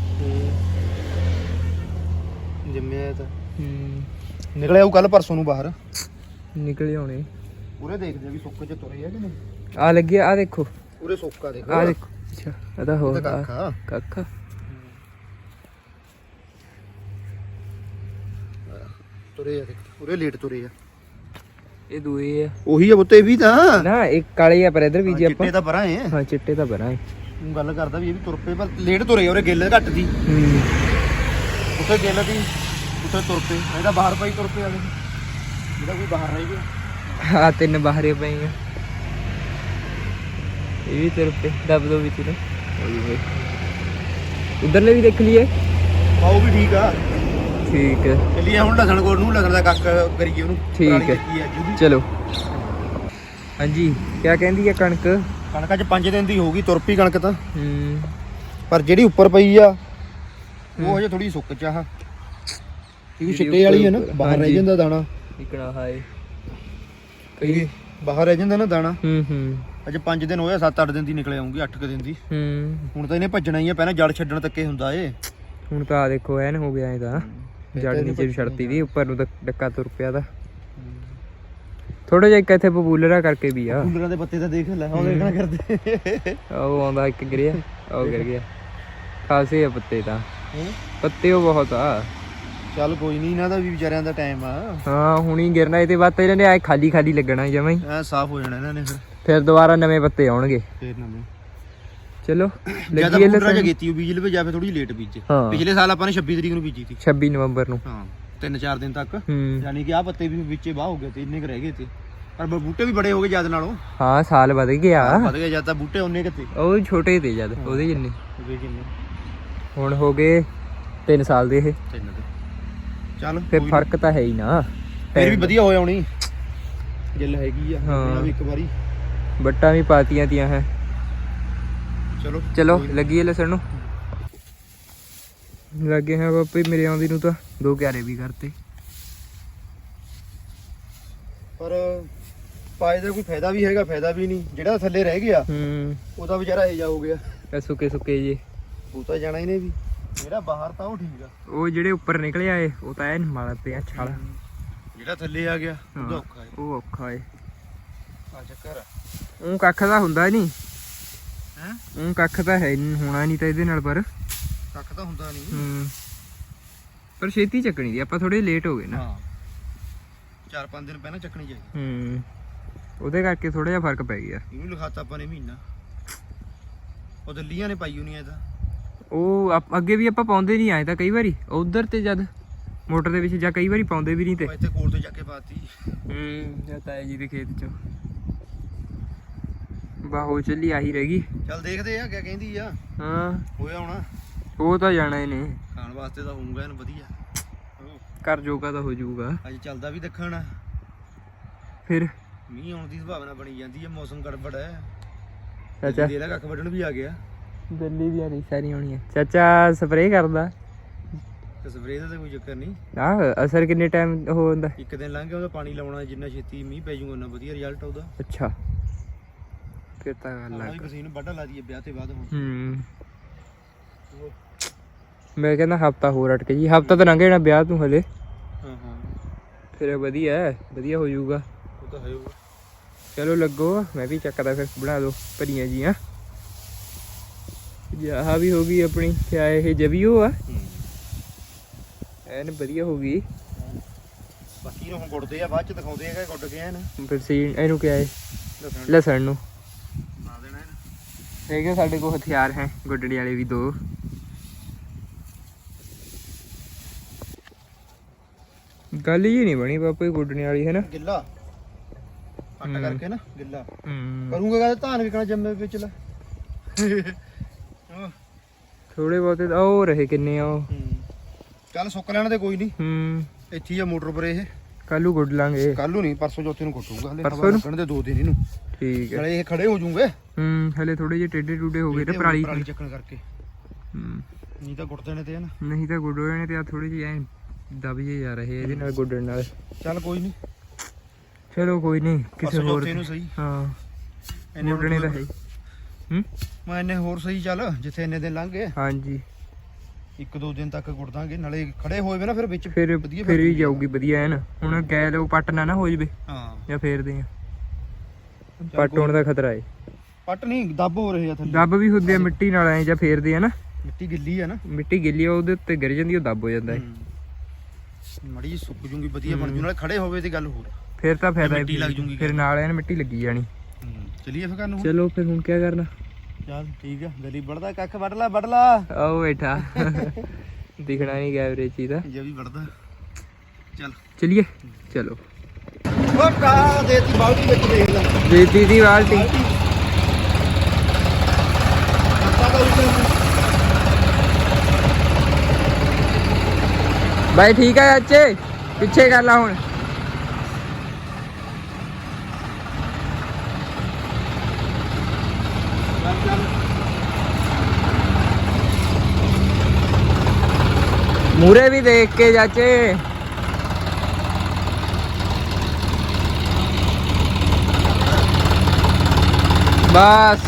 [SPEAKER 1] ਜੰਮਿਆ ਇਹ ਤਾਂ ਨਿਕਲਿਆ ਉਹ ਕੱਲ ਪਰਸੋਂ ਨੂੰ ਬਾਹਰ
[SPEAKER 3] ਨਿਕਲੇ ਹੋਣੇ।
[SPEAKER 1] ਉਰੇ ਦੇਖਦੇ ਆ ਵੀ ਸੁੱਕ ਚ ਤੁਰੇ ਆ ਕਿ ਨਹੀਂ।
[SPEAKER 3] ਆ ਲੱਗਿਆ, ਆ ਦੇਖੋ,
[SPEAKER 1] ਉਰੇ ਸੁੱਕਾ ਦੇਖੋ,
[SPEAKER 3] ਆ ਦੇਖੋ। ਅੱਛਾ ਇਹਦਾ ਹੋ
[SPEAKER 1] ਇਹ ਤਾਂ ਕੱਖਾ
[SPEAKER 3] ਕੱਖਾ
[SPEAKER 1] ਤੁਰੇ ਆ ਦੇਖ, ਉਰੇ ਲੇਟ ਤੁਰੇ ਆ।
[SPEAKER 3] ਇਹ ਦੂਏ ਆ
[SPEAKER 1] ਉਹੀ ਆ ਬੁੱਤੇ ਵੀ ਤਾਂ
[SPEAKER 3] ਨਾ, ਇੱਕ ਕਾਲੇ ਆ ਪਰ ਇਧਰ ਬੀਜੇ ਆਪਾਂ।
[SPEAKER 1] ਚਿੱਟੇ ਤਾਂ ਪਰਾਂ ਏ
[SPEAKER 3] ਹਾਂ ਚਿੱਟੇ ਤਾਂ ਬਣਾ
[SPEAKER 1] ਤੂੰ ਗੱਲ ਕਰਦਾ ਵੀ ਇਹ ਵੀ ਤੁਰ ਪਏ ਪਰ ਲੇਟ ਤੁਰੇ ਆ, ਉਰੇ ਗਿੱਲ ਘੱਟ ਦੀ, ਉੱਥੇ ਗਿੱਲ ਦੀ, ਉੱਥੇ ਤੁਰ ਪਏ। ਇਹਦਾ ਬਾਹਰ ਪਈ ਤੁਰ ਪਏ ਆ ਜਿਹੜਾ ਕੋਈ ਬਾਹਰ ਰਹਿ ਗਿਆ।
[SPEAKER 3] ਆ ਤਿੰਨ ਬਾਹਰੇ ਪਏ ਆ, ਇਹ ਵੀ ਤੁਰ ਪਏ ਦਬ ਦੋ ਵਿੱਚ ਨੇ। ਉਧਰਲੇ ਵੀ ਦੇਖ ਲਈਏ।
[SPEAKER 1] ਆ ਉਹ ਵੀ ਠੀਕ ਆ,
[SPEAKER 3] ਠੀਕ ਹੈ
[SPEAKER 1] ਚੱਲੀਏ ਹੁਣ ਲਸਣ ਕੋਲ ਨੂੰ, ਲਸਣ ਦਾ ਕੱਖ ਕਰੀਏ ਉਹਨੂੰ।
[SPEAKER 3] ਠੀਕ ਹੈ ਚਲੋ। ਹਾਂਜੀ ਕਿਆ ਕਹਿੰਦੀ ਆ ਕਣਕ?
[SPEAKER 1] ਕਣਕਾਂ ਚ 5 ਦਿਨ ਦੀ ਹੋਊਗੀ ਤੁਰ ਪਈ ਕਣਕ ਤਾਂ,
[SPEAKER 3] ਹੂੰ
[SPEAKER 1] ਪਰ ਜਿਹੜੀ ਉੱਪਰ ਪਈ ਆ ਉਹ ਹਜੇ ਥੋੜੀ ਸੁੱਕ ਚ ਆ, ਕਿਉਂਕਿ ਛਿੱਟੇ ਵਾਲੀ ਹੈ ਨਾ, ਬਾਹਰ ਰਹਿ ਜਾਂਦਾ ਦਾਣਾ।
[SPEAKER 3] ਇਕੜਾ ਹਾਏ
[SPEAKER 1] ਕਈ ਬਾਹਰ ਰਹਿ ਜਾਂਦਾ ਨਾ ਦਾਣਾ।
[SPEAKER 3] ਹੂੰ
[SPEAKER 1] ਅਜੇ 5 ਦਿਨ ਹੋਇਆ, 7-8 ਦਿਨ ਦੀ ਨਿਕਲ ਆਉਂਗੀ, 8 ਦਿਨ ਦੀ। ਹੁਣ ਤਾਂ ਇਹਨੇ ਭੱਜਣਾ ਹੀ ਆ, ਪਹਿਲਾਂ ਜੜ ਛੱਡਣ ਤੱਕੇ ਹੁੰਦਾ ਏ।
[SPEAKER 3] ਹੁਣ ਤਾਂ ਆ ਦੇਖੋ ਐਨ ਹੋ ਗਿਆ ਇਹਦਾ, ਜੜ ਨੀਚੇ ਨੂੰ ਛੱਡਤੀ ਦੀ, ਉੱਪਰ ਨੂੰ ਤਾਂ ਡੱਕਾ ਤੁਰ ਪਿਆ ਦਾ। ਥੋੜਾ ਜਿਹਾ ਇੱਕ ਇੱਥੇ ਪਪੂਲਰਾ ਕਰਕੇ ਵੀ ਆ।
[SPEAKER 1] ਕੂਲਰਾਂ ਦੇ ਪੱਤੇ ਤਾਂ ਦੇਖ ਲੈ, ਉਹ ਦੇਖਣਾ ਕਰਦੇ।
[SPEAKER 3] ਉਹ ਆਉਂਦਾ ਇੱਕ ਗਿਰਿਆ, ਉਹ ਗਿਰ ਗਿਆ। ਖਾਸੇ ਆ ਪੱਤੇ ਤਾਂ, ਪੱਤੇ ਉਹ ਬਹੁਤ ਆ।
[SPEAKER 1] ਚੱਲ ਕੋਈ ਨਹੀਂ, ਇਹਨਾਂ ਦਾ ਵੀ ਵਿਚਾਰਿਆਂ ਦਾ ਟਾਈਮ ਆ।
[SPEAKER 3] ਹਾਂ ਹੁਣੀ ਗਿਰਨਾ, ਇਹਦੇ ਬਾਅਦ ਤਾਂ ਇਹਨਾਂ ਨੇ ਖਾਲੀ ਖਾਲੀ ਲੱਗਣਾ ਜਮਾਂ ਹੀ,
[SPEAKER 1] ਐ ਸਾਫ਼ ਹੋ ਜਾਣਾ ਇਹਨਾਂ ਨੇ
[SPEAKER 3] ਫਿਰ ਦੁਬਾਰਾ ਨਵੇਂ ਪੱਤੇ ਆਉਣਗੇ।
[SPEAKER 1] ਫੇਰ ਨਵੇਂ
[SPEAKER 3] ਚਲੋ
[SPEAKER 1] ਜਿਆਦਾ ਪੂਰਾ ਜਿਹਾ ਕੀਤੀ ਉਹ ਬੀਜ ਲਵੇ, ਜਾਂ ਫਿਰ ਥੋੜੀ ਲੇਟ ਬੀਜੇ।
[SPEAKER 3] ਹਾਂ।
[SPEAKER 1] ਪਿਛਲੇ ਸਾਲ ਆਪਾਂ ਨੇ 26 ਤਰੀਕ ਨੂੰ ਬੀਜੀ ਸੀ,
[SPEAKER 3] 26 ਨਵੰਬਰ ਨੂੰ।
[SPEAKER 1] ਹਾਂ 3-4 ਦਿਨ ਤੱਕ,
[SPEAKER 3] ਹੂੰ
[SPEAKER 1] ਯਾਨੀ ਕਿ ਆ ਪੱਤੇ ਵੀ ਵਿੱਚੇ ਬਾਹ ਹੋ ਗਏ ਤੇ ਇੰਨੇ ਕ ਰਹਿ ਗਏ ਤੇ, ਪਰ ਬੂਟੇ ਵੀ ਬੜੇ ਹੋ ਗਏ ਜਦ ਨਾਲੋਂ।
[SPEAKER 3] ਹਾਂ ਸਾਲ ਵਧ ਗਿਆ,
[SPEAKER 1] ਵਧ ਗਏ ਜਦ ਤਾਂ ਬੂਟੇ ਉਹਨੇ ਕਿਤੇ
[SPEAKER 3] ਉਹ ਛੋਟੇ ਤੇ ਜਦ ਉਹਦੇ ਜਿੰਨੇ।
[SPEAKER 1] ਕਿੰਨੇ
[SPEAKER 3] ਹੁਣ ਹੋ ਗਏ 3 ਸਾਲ ਦੇ ਇਹ।
[SPEAKER 1] ਤਿੰਨ ਦੇ ਚੱਲ
[SPEAKER 3] ਫਿਰ
[SPEAKER 1] ਕੋਈ
[SPEAKER 3] ਫਰਕ ਤਾਂ ਹੈ ਹੀ ਨਾ
[SPEAKER 1] ਫਿਰ ਵੀ ਵਧੀਆ ਹੋਇਆ ਹੋਣੀ ਗਿੱਲ ਹੈਗੀ ਆ
[SPEAKER 3] ਹਾਂ।
[SPEAKER 1] ਇਹਨਾਂ ਵੀ ਇੱਕ ਵਾਰੀ
[SPEAKER 3] ਬੱਟਾਂ ਵੀ ਪਾਤੀਆਂ ਤੀਆਂ ਹੈ
[SPEAKER 1] ਚਲੋ
[SPEAKER 3] ਚਲੋ
[SPEAKER 1] ਕੋਈ ਨੀ।
[SPEAKER 3] ਲੱਗੀਏ ਲਸਣ ਨੂੰ ਲੱਗੇ ਹੈ ਬਾਪੇ ਮੇਰੇ ਆਉਂਦੀ ਨੂੰ ਤਾਂ 2 ਕਿਆਰੇ ਵੀ ਕਰਤੇ
[SPEAKER 1] ਪਰ ਪਾਏ ਦਾ ਕੋਈ ਫਾਇਦਾ ਵੀ ਹੈਗਾ ਫਾਇਦਾ ਵੀ ਨਹੀਂ ਜਿਹੜਾ ਥੱਲੇ ਰਹਿ ਗਿਆ ਉਹਦਾ ਵਿਚਾਰਾ ਇਹ ਜਾ ਹੋ ਗਿਆ
[SPEAKER 3] ਸੁੱਕੇ ਸੁੱਕੇ ਜੇ
[SPEAKER 1] ਉਹ ਤਾਂ ਜਾਣਾ ਹੀ ਨੇ ਵੀ ਜਿਹੜਾ ਬਾਹਰ ਤਾਂ ਉਹ ਠੀਕ ਆ
[SPEAKER 3] ਉਹ ਜਿਹੜੇ ਉੱਪਰ ਨਿਕਲੇ ਆਏ ਉਹ ਤਾਂ ਐਨ ਮਾਲ ਪਿਆ ਛਾਲ
[SPEAKER 1] ਜਿਹੜਾ ਥੱਲੇ ਆ ਗਿਆ ਉਹਦਾ ਔਖਾ ਹੈ
[SPEAKER 3] ਉਹ ਔਖਾ ਏ
[SPEAKER 1] ਆ ਚੱਕਰ ਆ
[SPEAKER 3] ਉਹ ਕੱਖ ਦਾ ਹੁੰਦਾ ਨਹੀਂ
[SPEAKER 1] ਹੈ
[SPEAKER 3] ਉਹ ਕੱਖ ਤਾਂ ਹੈ ਨੀ, ਹੋਣਾ ਨਹੀਂ ਤਾਂ ਇਹਦੇ ਨਾਲ ਪਰ
[SPEAKER 1] ਕੱਖ ਤਾਂ ਹੁੰਦਾ ਨਹੀਂ
[SPEAKER 3] ਪਰ ਛੇਤੀ ਚੱਕਣੀ ਦੀ ਆਪਾਂ ਥੋੜੇ ਲੇਟ ਹੋ ਗਏ ਨਾ
[SPEAKER 1] ਹਾਂ 4-5 ਦਿਨ ਪਹਿਲਾਂ ਚੱਕਣੀ ਚਾਹੀਦੀ
[SPEAKER 3] ਉਹਦੇ ਕਰਕੇ ਥੋੜਾ ਜਿਹਾ ਫਰਕ ਪੈ ਗਿਆ
[SPEAKER 1] ਇਹਨੂੰ ਲਿਖਾਤਾ ਆਪਾਂ ਨੇ ਮਹੀਨਾ ਉਹ ਦਿੱਲੀਆਂ ਨੇ ਪਾਈ ਹੋਣੀ ਐ ਤਾਂ
[SPEAKER 3] ਉਹ ਅੱਗੇ ਵੀ ਆਪਾਂ ਪਾਉਂਦੇ ਨਹੀਂ ਆਏ ਤਾਂ ਕਈ ਵਾਰੀ ਉਧਰ ਤੇ ਜਦ ਮੋਟਰ ਦੇ ਵਿੱਚ ਜਾਂ ਕਈ ਵਾਰੀ ਪਾਉਂਦੇ ਵੀ ਨਹੀਂ ਤੇ
[SPEAKER 1] ਉਹ ਇੱਥੇ ਕੋਲ ਤੇ ਜਾ ਕੇ ਪਾਤੀ
[SPEAKER 3] ਜਾਂ ਤਾਏ ਜੀ ਦੇ ਖੇਤ ਚ ਬਾਹੋ ਚੱਲੀ ਆਹੀ ਰਹਿ ਗਈ
[SPEAKER 1] ਚੱਲ ਦੇਖਦੇ ਆ ਕਿਆ ਕਹਿੰਦੀ ਆ
[SPEAKER 3] ਹਾਂ
[SPEAKER 1] ਹੋਇਆ ਹੋਣਾ
[SPEAKER 3] ਉਹ ਤਾਂ ਜਾਣਾ ਹੀ ਨੇ
[SPEAKER 1] ਖਾਣ ਵਾਸਤੇ ਤਾਂ ਹੋਊਗਾ ਇਹਨੂੰ ਵਧੀਆ
[SPEAKER 3] ਘਰ ਜੋਗਾ ਤਾਂ ਹੋ ਜਾਊਗਾ
[SPEAKER 1] ਅੱਜ ਚੱਲਦਾ ਵੀ ਦੱਖਣ
[SPEAKER 3] ਫਿਰ
[SPEAKER 1] ਮੀਂਹ ਆਉਣ ਦੀ ਸੰਭਾਵਨਾ ਬਣੀ ਜਾਂਦੀ ਹੈ ਮੌਸਮ ਗੜਬੜ ਹੈ
[SPEAKER 3] ਚਾਚਾ
[SPEAKER 1] ਇਹਦਾ ਕੱਖ ਵੱਢਣ ਵੀ ਆ ਗਿਆ
[SPEAKER 3] ਦਿੱਲੀ ਦੀਆਂ ਨਹੀਂ ਸਾਰੀ ਹੋਣੀਆਂ ਚਾਚਾ ਸਪਰੇਅ ਕਰਦਾ
[SPEAKER 1] ਤੇ ਸਪਰੇਅ ਦਾ ਤਾਂ ਕੋਈ ਚੱਕਰ ਨਹੀਂ
[SPEAKER 3] ਆਹ ਅਸਰ ਕਿੰਨੇ ਟਾਈਮ ਹੋ ਜਾਂਦਾ
[SPEAKER 1] ਇੱਕ ਦਿਨ ਲੰਘ ਗਿਆ ਉਹਦਾ ਪਾਣੀ ਲਾਉਣਾ ਜਿੰਨਾ ਛੇਤੀ ਮੀਂਹ ਪੈ ਜਾਊਗਾ ਉਹਨਾਂ ਵਧੀਆ ਰਿਜ਼ਲਟ ਉਹਦਾ
[SPEAKER 3] ਅੱਛਾ ਫਿਰ ਤਾਂ ਗੱਲ
[SPEAKER 1] ਆਹ
[SPEAKER 3] ਲੱਗ
[SPEAKER 1] ਵੀ ਮਸ਼ੀਨ ਵੱਢ ਲਾ ਦਈਏ ਵਿਆਹ ਤੇ ਬਾਅਦ ਹੁਣ
[SPEAKER 3] ਮੈਂ ਕਹਿੰਦਾ ਹਫਤਾ ਹੋਰ ਅਟਕ ਜੀ ਹਫਤਾ ਤਾਂ ਲੰਘ ਜਾਣਾ ਵਿਆਹ ਤੂੰ ਹਲੇ
[SPEAKER 1] ਹਾਂ ਹਾਂ
[SPEAKER 3] ਫਿਰ ਵਧੀਆ ਹੋ ਜਾਊਗਾ
[SPEAKER 1] ਉਹ ਤਾਂ ਹੈ ਉਹ
[SPEAKER 3] ਚਲੋ ਲੱਗੋ ਮੈਂ ਵੀ ਚੱਕਦਾ ਫਿਰ ਬਣਾ ਦੋ ਭਰੀਆਂ ਜੀਆਂ ਆਹ ਵੀ ਹੋ ਗਈ ਆਪਣੀ ਕਿਆ ਇਹ ਜਵੀਓ ਆ ਐਨ ਵਧੀਆ ਹੋ ਗਈ
[SPEAKER 1] ਬਾਕੀ ਨੂੰ ਹੁਣ ਗੁੱਡਦੇ ਆ ਬਾਅਦ ਚ ਦਿਖਾਉਂਦੇ ਆ ਕਿ ਗੁੱਡ ਕੇ ਐਨ
[SPEAKER 3] ਫਿਰ ਸੀ ਇਹਨੂੰ ਕਿਆ ਹੈ
[SPEAKER 1] ਲਸਣ
[SPEAKER 3] ਲਸਣ ਨੂੰ
[SPEAKER 1] ਲਾ ਦੇਣਾ ਇਹਨੂੰ
[SPEAKER 3] ਹੈਗੇ ਸਾਡੇ ਕੋਲ ਹਥਿਆਰ ਹੈ ਗੁੱਡੜੀ ਵਾਲੇ ਵੀ 2 ਗੱਲ ਹੀ ਨਹੀਂ ਬਣੀ ਪਾਪਾ ਇਹ ਗੁੱਡਣੀ ਵਾਲੀ ਹੈ ਨਾ
[SPEAKER 1] ਗਿੱਲਾ ਅੱਟ ਕਰਕੇ ਨਾ ਗਿੱਲਾ
[SPEAKER 3] ਹੂੰ
[SPEAKER 1] ਕਰੂੰਗਾ ਕਹਿੰਦਾ ਧਾਨ ਵਿਕਣਾ ਜੰਮੇ ਵਿੱਚ ਲੈ
[SPEAKER 3] ਥੋੜੇ ਬਹੁਤੇ ਤਾਂ ਉਹ ਰਹੇ ਕਿੰਨੇ ਆ ਉਹ
[SPEAKER 1] ਚੱਲ ਸੁੱਕ ਲੈਣ ਦੇ ਕੋਈ ਨਹੀਂ ਇੱਥੇ ਹੀ ਆ ਮੋਟਰ ਪਰ ਇਹ
[SPEAKER 3] ਕੱਲੂ ਗੁੱਡ ਲਾਂਗੇ
[SPEAKER 1] ਕੱਲ ਨੂੰ ਨਹੀਂ ਪਰਸੋਂ ਚੌਥੇ ਨੂੰ ਕੁੱਟੂਗਾ ਹਲੇ
[SPEAKER 3] ਪਰਸੋਂ ਨੂੰ?
[SPEAKER 1] ਲੱਗਣ ਦੇ 2 ਦਿਨ ਇਹਨੂੰ
[SPEAKER 3] ਠੀਕ ਹੈ
[SPEAKER 1] ਨਾਲੇ ਇਹ ਖੜੇ ਹੋ ਜੂਗੇ
[SPEAKER 3] ਹਲੇ ਥੋੜੇ ਜਿਹੇ ਟੇਡੇ ਟੂਡੇ ਹੋ ਗਏ ਤੇ ਪਰਾਲੀ
[SPEAKER 1] ਚੱਕਣ ਕਰਕੇ
[SPEAKER 3] ਹੂੰ
[SPEAKER 1] ਨਹੀਂ ਤਾਂ ਗੁੱਟ ਦੇਣੇ ਤੇ ਹਨ
[SPEAKER 3] ਨਹੀਂ ਤਾਂ ਗੁੱਡ ਹੋ ਜਾਣੇ ਤੇ ਆ ਥੋੜੀ ਜਿਹੀ ਐ ਦਬ ਜੇ ਜਾ ਰਹੇ ਇਹਦੇ ਨਾਲ ਗੁੱਡਣ ਨਾਲ
[SPEAKER 1] ਚੱਲ ਕੋਈ ਨਹੀਂ
[SPEAKER 3] ਚਲੋ ਕੋਈ ਨਹੀਂ ਕਿਸੇ
[SPEAKER 1] ਪਰਸੋਂ
[SPEAKER 3] ਹੋਰ
[SPEAKER 1] ਚੌਥੇ ਨੂੰ ਸਹੀ
[SPEAKER 3] ਹਾਂ
[SPEAKER 1] ਇੰਨੇ
[SPEAKER 3] ਗੁੱਡਣੇ ਤਾਂ ਹੈ ਹੂੰ
[SPEAKER 1] ਮੈਂ ਇੰਨੇ ਹੋਰ ਸਹੀ ਚੱਲ ਜਿੱਥੇ ਇੰਨੇ ਦਿਨ ਲੰਘ ਗਏ
[SPEAKER 3] ਹਾਂਜੀ
[SPEAKER 1] 1-2 ਦਿਨ ਤੱਕ ਗੁੱਟ ਦਾਂਗੇ ਨਾਲੇ ਖੜੇ ਹੋਏ ਵੇ ਨਾ ਫਿਰ ਵਿੱਚ
[SPEAKER 3] ਫਿਰ
[SPEAKER 1] ਵਧੀਆ
[SPEAKER 3] ਫਿਰ ਵੀ ਜਾਊਗੀ ਵਧੀਆ ਐਨ ਹੁਣ ਗੈਲ ਉਹ ਪੱਟ ਨਾ ਹੋ ਜਵੇ
[SPEAKER 1] ਹਾਂ
[SPEAKER 3] ਜਾਂ ਫੇਰਦੇ ਆ ਪੱਟ ਹੋਣ ਦਾ ਖਤਰਾ ਏ
[SPEAKER 1] ਪੱਟ ਨਹੀਂ ਦੱਬ ਹੋ ਰਹੇ ਆ ਥੱਲੇ
[SPEAKER 3] ਦੱਬ ਵੀ ਹੁੰਦੇ ਆ ਮਿੱਟੀ ਨਾਲ ਐ ਜਾਂ ਫੇਰਦੇ ਆ ਨਾ
[SPEAKER 1] ਮਿੱਟੀ ਗਿੱਲੀ ਆ ਨਾ
[SPEAKER 3] ਮਿੱਟੀ ਗਿੱਲੀ ਆ ਉਹਦੇ ਉੱਤੇ ਗਿਰ ਜਾਂਦੀ ਉਹ ਦੱਬ ਹੋ ਜਾਂਦਾ ਏ
[SPEAKER 1] ਮੜੀ ਜਿਹੀ ਸੁੱਕ ਜੂਗੀ ਵਧੀਆ ਬਣ ਜੂ ਨਾਲੇ ਖੜੇ ਹੋਵੇ ਤੇ ਗੱਲ ਹੋਰ
[SPEAKER 3] ਫਿਰ ਤਾਂ ਫਾਇਦਾ
[SPEAKER 1] ਮਿੱਟੀ ਲੱਗ ਜੂਗੀ
[SPEAKER 3] ਫਿਰ ਨਾਲ ਐਨ ਮਿੱਟੀ ਲੱਗੀ ਜਾਣੀ
[SPEAKER 1] ਚਲਿਏ ਫਿਰ ਨੂੰ
[SPEAKER 3] ਚਲੋ ਫਿਰ ਹੁਣ ਕੀ ਕਰਨਾ
[SPEAKER 1] ਚੱਲ ਠੀਕ ਆ ਗਲੀ ਵੜਦਾ ਕੱਖ ਵੱਢ ਲਾ
[SPEAKER 3] ਆਓ ਬੈਠਾ ਦਿਖਣਾ ਨਹੀਂ ਗਿਆ ਵੀਰੇ ਚੀਜ਼ ਦਾ
[SPEAKER 1] ਜੇ ਵੀ ਵੜਦਾ ਚੱਲ
[SPEAKER 3] ਚਲਿਏ ਚਲੋ
[SPEAKER 1] ਉਹ ਕਾ ਦੇਤੀ ਬਾਲਟੀ ਵਿੱਚ ਦੇਖ ਲੈ
[SPEAKER 3] ਦੇਤੀ ਦੀ ਬਾਲਟੀ ਬਾਈ ਠੀਕ ਹੈ ਚਾਚੇ ਪਿੱਛੇ ਕਰ ਲਾ ਹੁਣ ਮੂਰੇ ਵੀ ਦੇਖ ਕੇ ਚਾਚੇ ਬਸ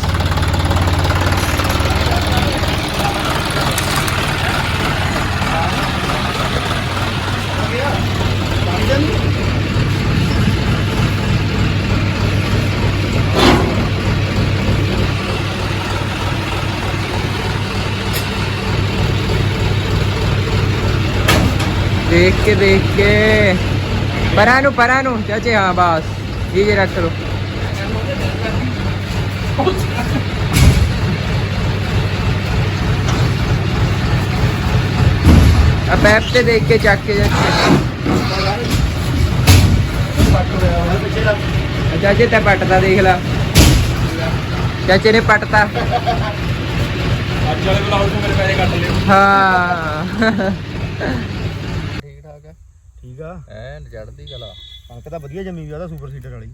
[SPEAKER 3] देख के परा नु चाचे हाँ बस ये रख लो अब ऐप से देख के चक के चाचे ते पटता देख ला चाचे ने पटता हाँ
[SPEAKER 1] ਠੀਕ ਆ
[SPEAKER 2] ਐਨ ਚੜ੍ਹਦੀ ਕਲਾ।
[SPEAKER 1] ਕਣਕ ਤਾਂ ਵਧੀਆ ਜੰਮੀ ਵੀ ਆ ਉਹਦਾ ਸੁਪਰ ਸੀਡਰ ਵਾਲੀ।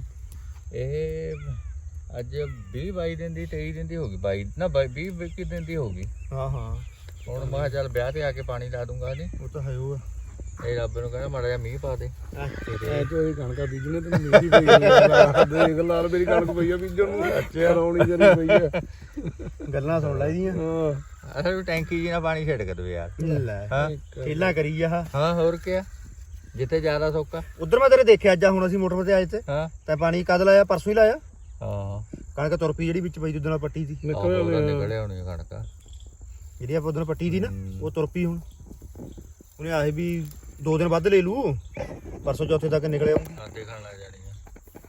[SPEAKER 2] ਇਹ ਅੱਜ 20-22 ਦਿਨ ਦੀ 23 ਦਿਨ ਦੀ ਹੋ ਗਈ 22 ਨਾ 20-21 ਦਿਨ ਦੀ ਹੋ ਗਈ।
[SPEAKER 1] ਹਾਂ ਹਾਂ
[SPEAKER 2] ਹੁਣ ਮੈਂ ਕਿਹਾ ਚੱਲ ਵਿਆਹ ਤੇ ਆ ਕੇ ਪਾਣੀ ਲਾ ਦੂੰਗਾ ਨਹੀਂ
[SPEAKER 1] ਉਹ ਤਾਂ ਹੈ ਉਹ
[SPEAKER 2] ਇਹ ਰੱਬ ਨੂੰ ਕਹਿੰਦਾ ਮਾੜਾ ਜਿਹਾ ਮੀਂਹ ਪਾ ਦੇ।
[SPEAKER 4] ਐ ਜੋ ਇਹ ਕਣਕਾਂ ਬੀਜਣੇ ਤੇ ਮੇਰੀ ਪਈ ਆ ਦੇਖ ਲਾਲ ਮੇਰੀ ਕਣਕ ਪਈ ਆ ਬੀਜਣ ਨੂੰ ਅੱਛਾ ਰੌਣੀ ਜਰੀ ਪਈ ਆ
[SPEAKER 1] ਗੱਲਾਂ ਸੁਣ ਲੈ ਇਹਦੀਆਂ।
[SPEAKER 4] ਹਾਂ
[SPEAKER 2] ਅਸਲ ਟੈਂਕੀ ਜੀ ਨਾਲ ਪਾਣੀ ਛਿੜਕ ਦੋ ਯਾਰ।
[SPEAKER 1] ਲੈ
[SPEAKER 2] ਹਾਂ
[SPEAKER 1] ਖੇਲਾ ਕਰੀ ਆ
[SPEAKER 2] ਹਾਂ ਹੋਰ ਕੀ ਜਿੱਥੇ ਜ਼ਿਆਦਾ ਸੌਕਾ।
[SPEAKER 1] ਉਧਰ ਮੈਂ ਤੇਰੇ ਦੇਖਿਆ ਅੱਜ ਹੁਣ ਅਸੀਂ ਮੋਟਰ ਤੇ ਆਏ ਤੇ
[SPEAKER 2] ਹਾਂ
[SPEAKER 1] ਤਾਂ ਪਾਣੀ ਕਦ ਲਾਇਆ ਪਰਸੋਂ ਹੀ ਲਾਇਆ।
[SPEAKER 2] ਹਾਂ
[SPEAKER 1] ਕਣਕ ਤੁਰ ਪਈ ਜਿਹੜੀ ਵਿੱਚ ਪਈ ਉਦੋਂ ਨਾਲ ਪੱਟੀ ਸੀ
[SPEAKER 2] ਨਿਕਲੇ ਹੋਣੀ ਕਣਕਾਂ
[SPEAKER 1] ਜਿਹੜੀ ਆਪਾਂ ਉਦੋਂ ਪੱਟੀ ਸੀ ਨਾ ਉਹ ਤੁਰ ਪਈ। ਹੁਣ ਉਹਨੇ ਆਏ ਵੀ 2 ਦਿਨ ਵੱਧ ਲੈ ਲੂ ਪਰਸੋਂ ਚੌਥੇ ਤੱਕ ਨਿਕਲਿਆ।
[SPEAKER 2] ਦੇਖਣ ਲੱਗ ਜਾਣੀ ਆ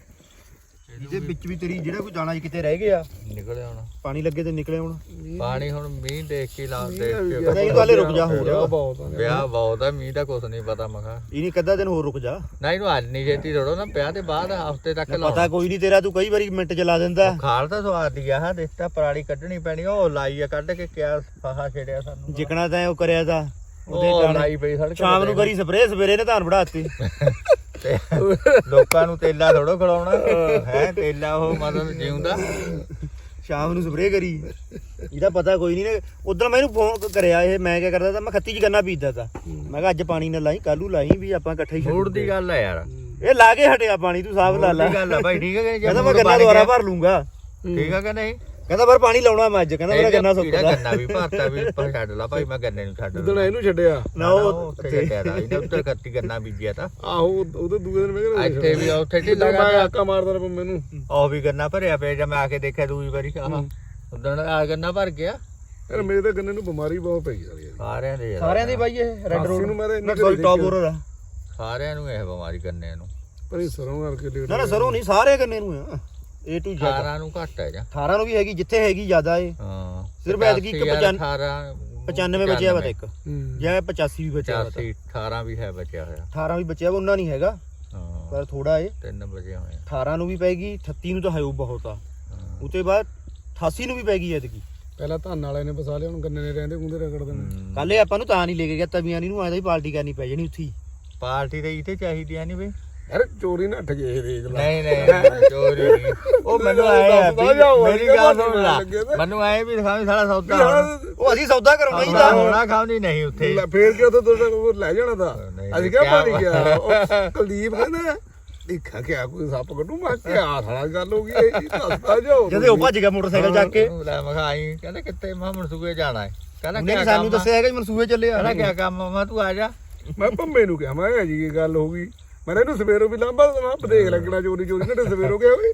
[SPEAKER 1] ਇਹਦੇ ਵਿੱਚ ਵੀ ਤੇਰੀ ਜਿਹੜਾ ਕੋਈ ਦਾਣਾ ਕਿਤੇ ਰਹਿ ਗਿਆ
[SPEAKER 2] ਨਿਕਲੇ ਹੁਣ
[SPEAKER 1] ਪਾਣੀ ਲੱਗੇ ਤੇ ਨਿਕਲੇ ਹੁਣ।
[SPEAKER 2] ਪਾਣੀ ਹੁਣ ਮੀਂਹ ਦੇਖ ਕੇ ਲਾ ਦੇਖ ਕੇ
[SPEAKER 1] ਨਹੀਂ ਤਾਂ ਹਲੇ ਰੁਕ ਜਾ ਹੋਰ
[SPEAKER 4] ਬਹੁਤ ਆ
[SPEAKER 2] ਵਿਆਹ ਬਹੁਤ ਆ ਮੀਂਹ ਦਾ ਕੁਛ ਨਹੀਂ ਪਤਾ ਮਖਾ
[SPEAKER 1] ਇਹ ਨਹੀਂ ਕੱਦਾ ਦਿਨ ਹੋਰ ਰੁਕ ਜਾ।
[SPEAKER 2] ਨਾ ਇਹਨੂੰ ਅੱਜ ਨਹੀਂ ਛੇਤੀ ਥੋੜੋ ਨਾ ਵਿਆਹ ਤੇ ਬਾਅਦ ਹਫਤੇ ਤੱਕ ਲਾਉਣਾ।
[SPEAKER 1] ਪਤਾ ਕੋਈ ਨਹੀਂ ਤੇਰਾ ਤੂੰ ਕਈ ਵਾਰੀ ਮਿੰਟ ਚ ਲਾ ਦਿੰਦਾ।
[SPEAKER 2] ਖਾਲ ਤਾਂ ਸਵਾਦ ਦੀ ਆ ਦੇਖਤਾ ਪਰਾਲੀ ਕੱਢਣੀ ਪੈਣੀ ਉਹ ਲਾਈ ਆ ਕੱਢ ਕੇ ਕਿਆ ਫਾਹਾ ਛੇੜਿਆ ਸਾਨੂੰ
[SPEAKER 1] ਜਿਕਣਾ ਤਾਂ ਉਹ ਕਰਿਆ ਤਾਂ
[SPEAKER 2] ਉਹ ਲਾਈ ਪਈ ਸੜਕ
[SPEAKER 1] ਸ਼ਾਮ ਨੂੰ ਕਰੀ ਸਪਰੇਅ ਸਵੇਰੇ ਨੇ ਧਾਨ ਵੜਾਤੀ।
[SPEAKER 2] ਤੇ ਲੋਕਾਂ ਨੂੰ ਤੇਲਾ ਥੋੜੋ ਖਿਲਾਉਣਾ ਹੈ ਤੇਲਾ ਉਹ ਮਤਲਬ ਜਿਉਂਦਾ
[SPEAKER 1] ਸ਼ਾਮ ਨੂੰ ਸਪਰੇਅ ਕਰੀ। ਇਹਦਾ ਪਤਾ ਕੋਈ ਨਹੀਂ ਨੇ। ਉਧਰ ਮੈਂ ਇਹਨੂੰ ਫੋਨ ਕਰਿਆ ਇਹ ਮੈਂ ਕਿਆ ਕਰਦਾ ਤਾਂ ਮੈਂ ਖੱਤੀ ਚ ਗੰਨਾ ਬੀਜਦਾ ਤਾ। ਮੈਂ ਕਿਹਾ ਅੱਜ ਪਾਣੀ ਨਾ ਲਾਈ ਕੱਲੂ ਲਾਈ ਵੀ ਆਪਾਂ ਇਕੱਠੇ ਹੀ
[SPEAKER 2] ਮੂਡ ਦੀ ਗੱਲ ਆ ਯਾਰ।
[SPEAKER 1] ਇਹ ਲਾ ਕੇ ਹਟਿਆ ਪਾਣੀ ਤੂੰ ਸਾਫ ਲਾ ਲਾ।
[SPEAKER 2] ਦੀ ਗੱਲ ਆ ਭਾਈ ਠੀਕ ਹੈ ਕਿ
[SPEAKER 1] ਕਹਿੰਦਾ ਮੈਂ ਗੰਨਾ ਦੁਬਾਰਾ ਭਰ ਲੂੰਗਾ।
[SPEAKER 2] ਠੀਕ ਆ ਕਿ ਨਹੀਂ
[SPEAKER 1] ਕਹਿੰਦਾ ਪਰ ਪਾਣੀ ਲਾਉਣਾ ਮੈਂ ਅੱਜ। ਕਹਿੰਦਾ ਮੇਰਾ ਗੰਨਾ ਸੁੱਕਦਾ।
[SPEAKER 2] ਗੰਨਾ ਵੀ ਭਰਤਾ ਵੀ ਛੱਡ ਲਾ ਭਾਈ ਮੈਂ ਗੰਨੇ ਨੂੰ ਛੱਡ
[SPEAKER 4] ਉਦੋਂ ਇਹਨੂੰ ਛੱਡਿਆ
[SPEAKER 1] ਨਾ ਉਹ
[SPEAKER 2] ਉੱਥੇ ਛੱਡਿਆ ਤਾ ਇਹਨੇ ਉੱਧਰ ਕੱਤੀ ਗੰਨਾ ਬੀਜਿਆ ਤਾਂ
[SPEAKER 4] ਆਹੋ ਉਹਦੇ ਦੂਏ ਦਿਨ ਮੈਂ ਕਿਹਾ
[SPEAKER 2] ਇੱਥੇ ਵੀ ਉੱਥੇ ਢਿੱਲਾ
[SPEAKER 4] ਮੈਂ
[SPEAKER 2] ਕਰ
[SPEAKER 4] ਆਕਾ ਮਾਰਦਾ ਰਿਹਾ ਮੈਨੂੰ
[SPEAKER 2] ਉਹ ਵੀ ਗੰਨਾ ਭਰਿਆ ਪਿਆ ਜਾਂ ਮੈਂ ਆ ਕੇ ਦੇਖਿਆ ਦੂਜੀ ਵਾਰੀ ਆਹ ਉਦੋਂ ਆ ਗੰਨਾ ਭਰ ਗਿਆ।
[SPEAKER 4] ਯਾਰ ਮੇਰੇ ਤਾਂ ਗੰਨੇ ਨੂੰ ਬਿਮਾਰੀ ਬਹੁਤ ਪਈ ਯਾਰ
[SPEAKER 2] ਸਾਰਿਆਂ ਦੇ ਯਾਰ,
[SPEAKER 1] ਸਾਰਿਆਂ ਦੀ ਬਾਈ ਇਹ ਰੈੱਡ ਰੋਡ
[SPEAKER 4] ਨੂੰ ਮੇਰੇ
[SPEAKER 1] ਨਾ ਸੌਰੀ ਟੌਪ ਹੋਰ ਆ।
[SPEAKER 2] ਸਾਰਿਆਂ ਨੂੰ ਇਹ ਬਿਮਾਰੀ ਗੰਨੇ ਨੂੰ।
[SPEAKER 4] ਪਰ ਇਹ ਸਰੋਂ ਕਰਕੇ ਲੇਟ
[SPEAKER 1] ਨਾ ਨਾ ਸਰੋਂ ਨਹੀਂ ਸਾਰੇ ਗੰਨੇ ਨੂੰ ਆ। A to Z
[SPEAKER 2] 18 ਨੂੰ ਘੱਟ ਹੈ ਜਾਂ
[SPEAKER 1] 18 ਨੂੰ ਵੀ ਹੈਗੀ ਜਿੱਥੇ ਹੈਗੀ ਜ਼ਿਆਦਾ ਏ।
[SPEAKER 2] ਹਾਂ
[SPEAKER 1] ਸਿਰਫ ਐਤਕੀ ਇੱਕ 95 ਬਚਿਆ ਵਾ ਤੇ ਇੱਕ ਜਾਂ 85 ਵੀ ਬਚਿਆ ਵਾ।
[SPEAKER 2] 18 ਵੀ ਹੈ ਬਚਿਆ ਹੋਇਆ
[SPEAKER 1] 18 ਵੀ ਬਚਿਆ ਵਾ ਉਹਨਾਂ ਨਹੀਂ ਹੈਗਾ
[SPEAKER 2] ਹਾਂ
[SPEAKER 1] ਪਰ ਥੋੜਾ ਏ।
[SPEAKER 2] 3 ਬਚੇ ਹੋਏ
[SPEAKER 1] 18 ਨੂੰ ਵੀ ਪੈਗੀ 38 ਨੂੰ ਤਾਂ ਹੈ ਉਹ ਬਹੁਤ ਆ। ਉਤੇ ਬਾਅਦ 88 ਨੂੰ ਵੀ ਪੈਗੀ ਐਤਕੀ।
[SPEAKER 4] ਪਹਿਲਾਂ ਧੰਨ ਵਾਲੇ ਨੇ ਫਸਾ ਲਿਆ ਹੁਣ ਗੰਨੇ ਨੇ ਰਹਿੰਦੇ ਗੁੰਦੇ ਰਗੜ ਦੇਣੇ।
[SPEAKER 1] ਕੱਲ ਇਹ ਆਪਾਂ ਨੂੰ ਤਾਂ ਨਹੀਂ ਲੈ ਕੇ ਗਿਆ ਤਵੀਆਂ ਨੂੰ ਆਇਆ ਹੀ ਪਾਰਟੀ ਕਰਨੀ ਪੈ ਜਾਣੀ ਉੱਥੇ।
[SPEAKER 2] ਪਾਰਟੀ ਤੇ ਇੱਥੇ ਚਾਹੀਦੀ ਆ ਨਹੀਂ ਬਈ।
[SPEAKER 4] ਯਾਰ ਚੋਰੀ ਨਾ ਠੱਗੇ ਇਹ ਦੇਖ ਲੈ
[SPEAKER 2] ਨਹੀਂ ਨਹੀਂ ਚੋਰੀ ਨਹੀਂ। ਉਹ ਮੈਨੂੰ ਆਇਆ ਮੇਰੀ ਗੱਲ ਸੁਣ ਲਾ ਮੈਨੂੰ ਆਏ ਵੀ ਦਿਖਾਵੀਂ ਸਾਲਾ ਸੌਦਾ
[SPEAKER 1] ਉਹ ਅਸੀਂ ਸੌਦਾ ਕਰਾਉਣਾ ਹੀ ਤਾਂ
[SPEAKER 2] ਹੋਣਾ ਖਾਉਂਦੀ ਨਹੀਂ ਉੱਥੇ
[SPEAKER 4] ਫੇਰ ਕਿ ਉਦੋਂ ਤੁਹਾਡਾ ਲੈ ਜਾਣਾ ਤਾਂ
[SPEAKER 2] ਨਹੀਂ,
[SPEAKER 4] ਅਸੀਂ ਕਿਹਾ
[SPEAKER 2] ਕਿਆ
[SPEAKER 4] ਪਾਣੀ ਗਿਆ ਉਹ ਕੁਲਦੀਪ ਕਹਿੰਦਾ ਦੇਖਾ ਕਿ ਕੋਈ ਸੱਪ ਕੱਢੂ ਮੈਂ ਕਿਹਾ ਸਾਲਾ ਗੱਲ ਹੋ ਗਈ ਇਹ ਦੱਸਦਾ ਜਾਓ
[SPEAKER 1] ਜਦੇ ਉਹ ਭੱਜ ਗਿਆ ਮੋਟਰਸਾਈਕਲ ਚੱਕ ਕੇ।
[SPEAKER 2] ਲੈ ਮੈਂ ਖਾਈ ਕਹਿੰਦਾ ਕਿੱਥੇ ਮੈਂ ਮਨਸੂਬੇ ਜਾਣਾ ਹੈ। ਕਹਿੰਦਾ
[SPEAKER 1] ਉਹਨੇ
[SPEAKER 2] ਕਿਆ
[SPEAKER 1] ਸਾਨੂੰ
[SPEAKER 2] ਕੰਮ ਆ?
[SPEAKER 1] ਦੱਸਿਆ ਹੈਗਾ ਜੀ ਮਨਸੂਬੇ ਚੱਲੇ ਆ।
[SPEAKER 2] ਕਹਿੰਦਾ ਕਿਆ ਕੰਮ ਆ? ਮੈਂ ਤੂੰ ਆ ਜਾ।
[SPEAKER 4] ਮੈਂ ਭੰਮੇ ਨੂੰ ਕਿਹਾ ਮੈਂ ਕਿਹਾ ਜੀ ਇਹ ਗੱਲ ਹੋ ਗਈ ਮੈਂ ਇਹਨੂੰ ਸਵੇਰੋਂ ਵੀ ਲਾਂਭਾ ਦੇਣਾ ਦੇਖ ਲੱਗਣਾ ਚੋਰੀ ਚੋਰੀ ਨੇ ਸਵੇਰੋਂ ਗਿਆ ਓਏ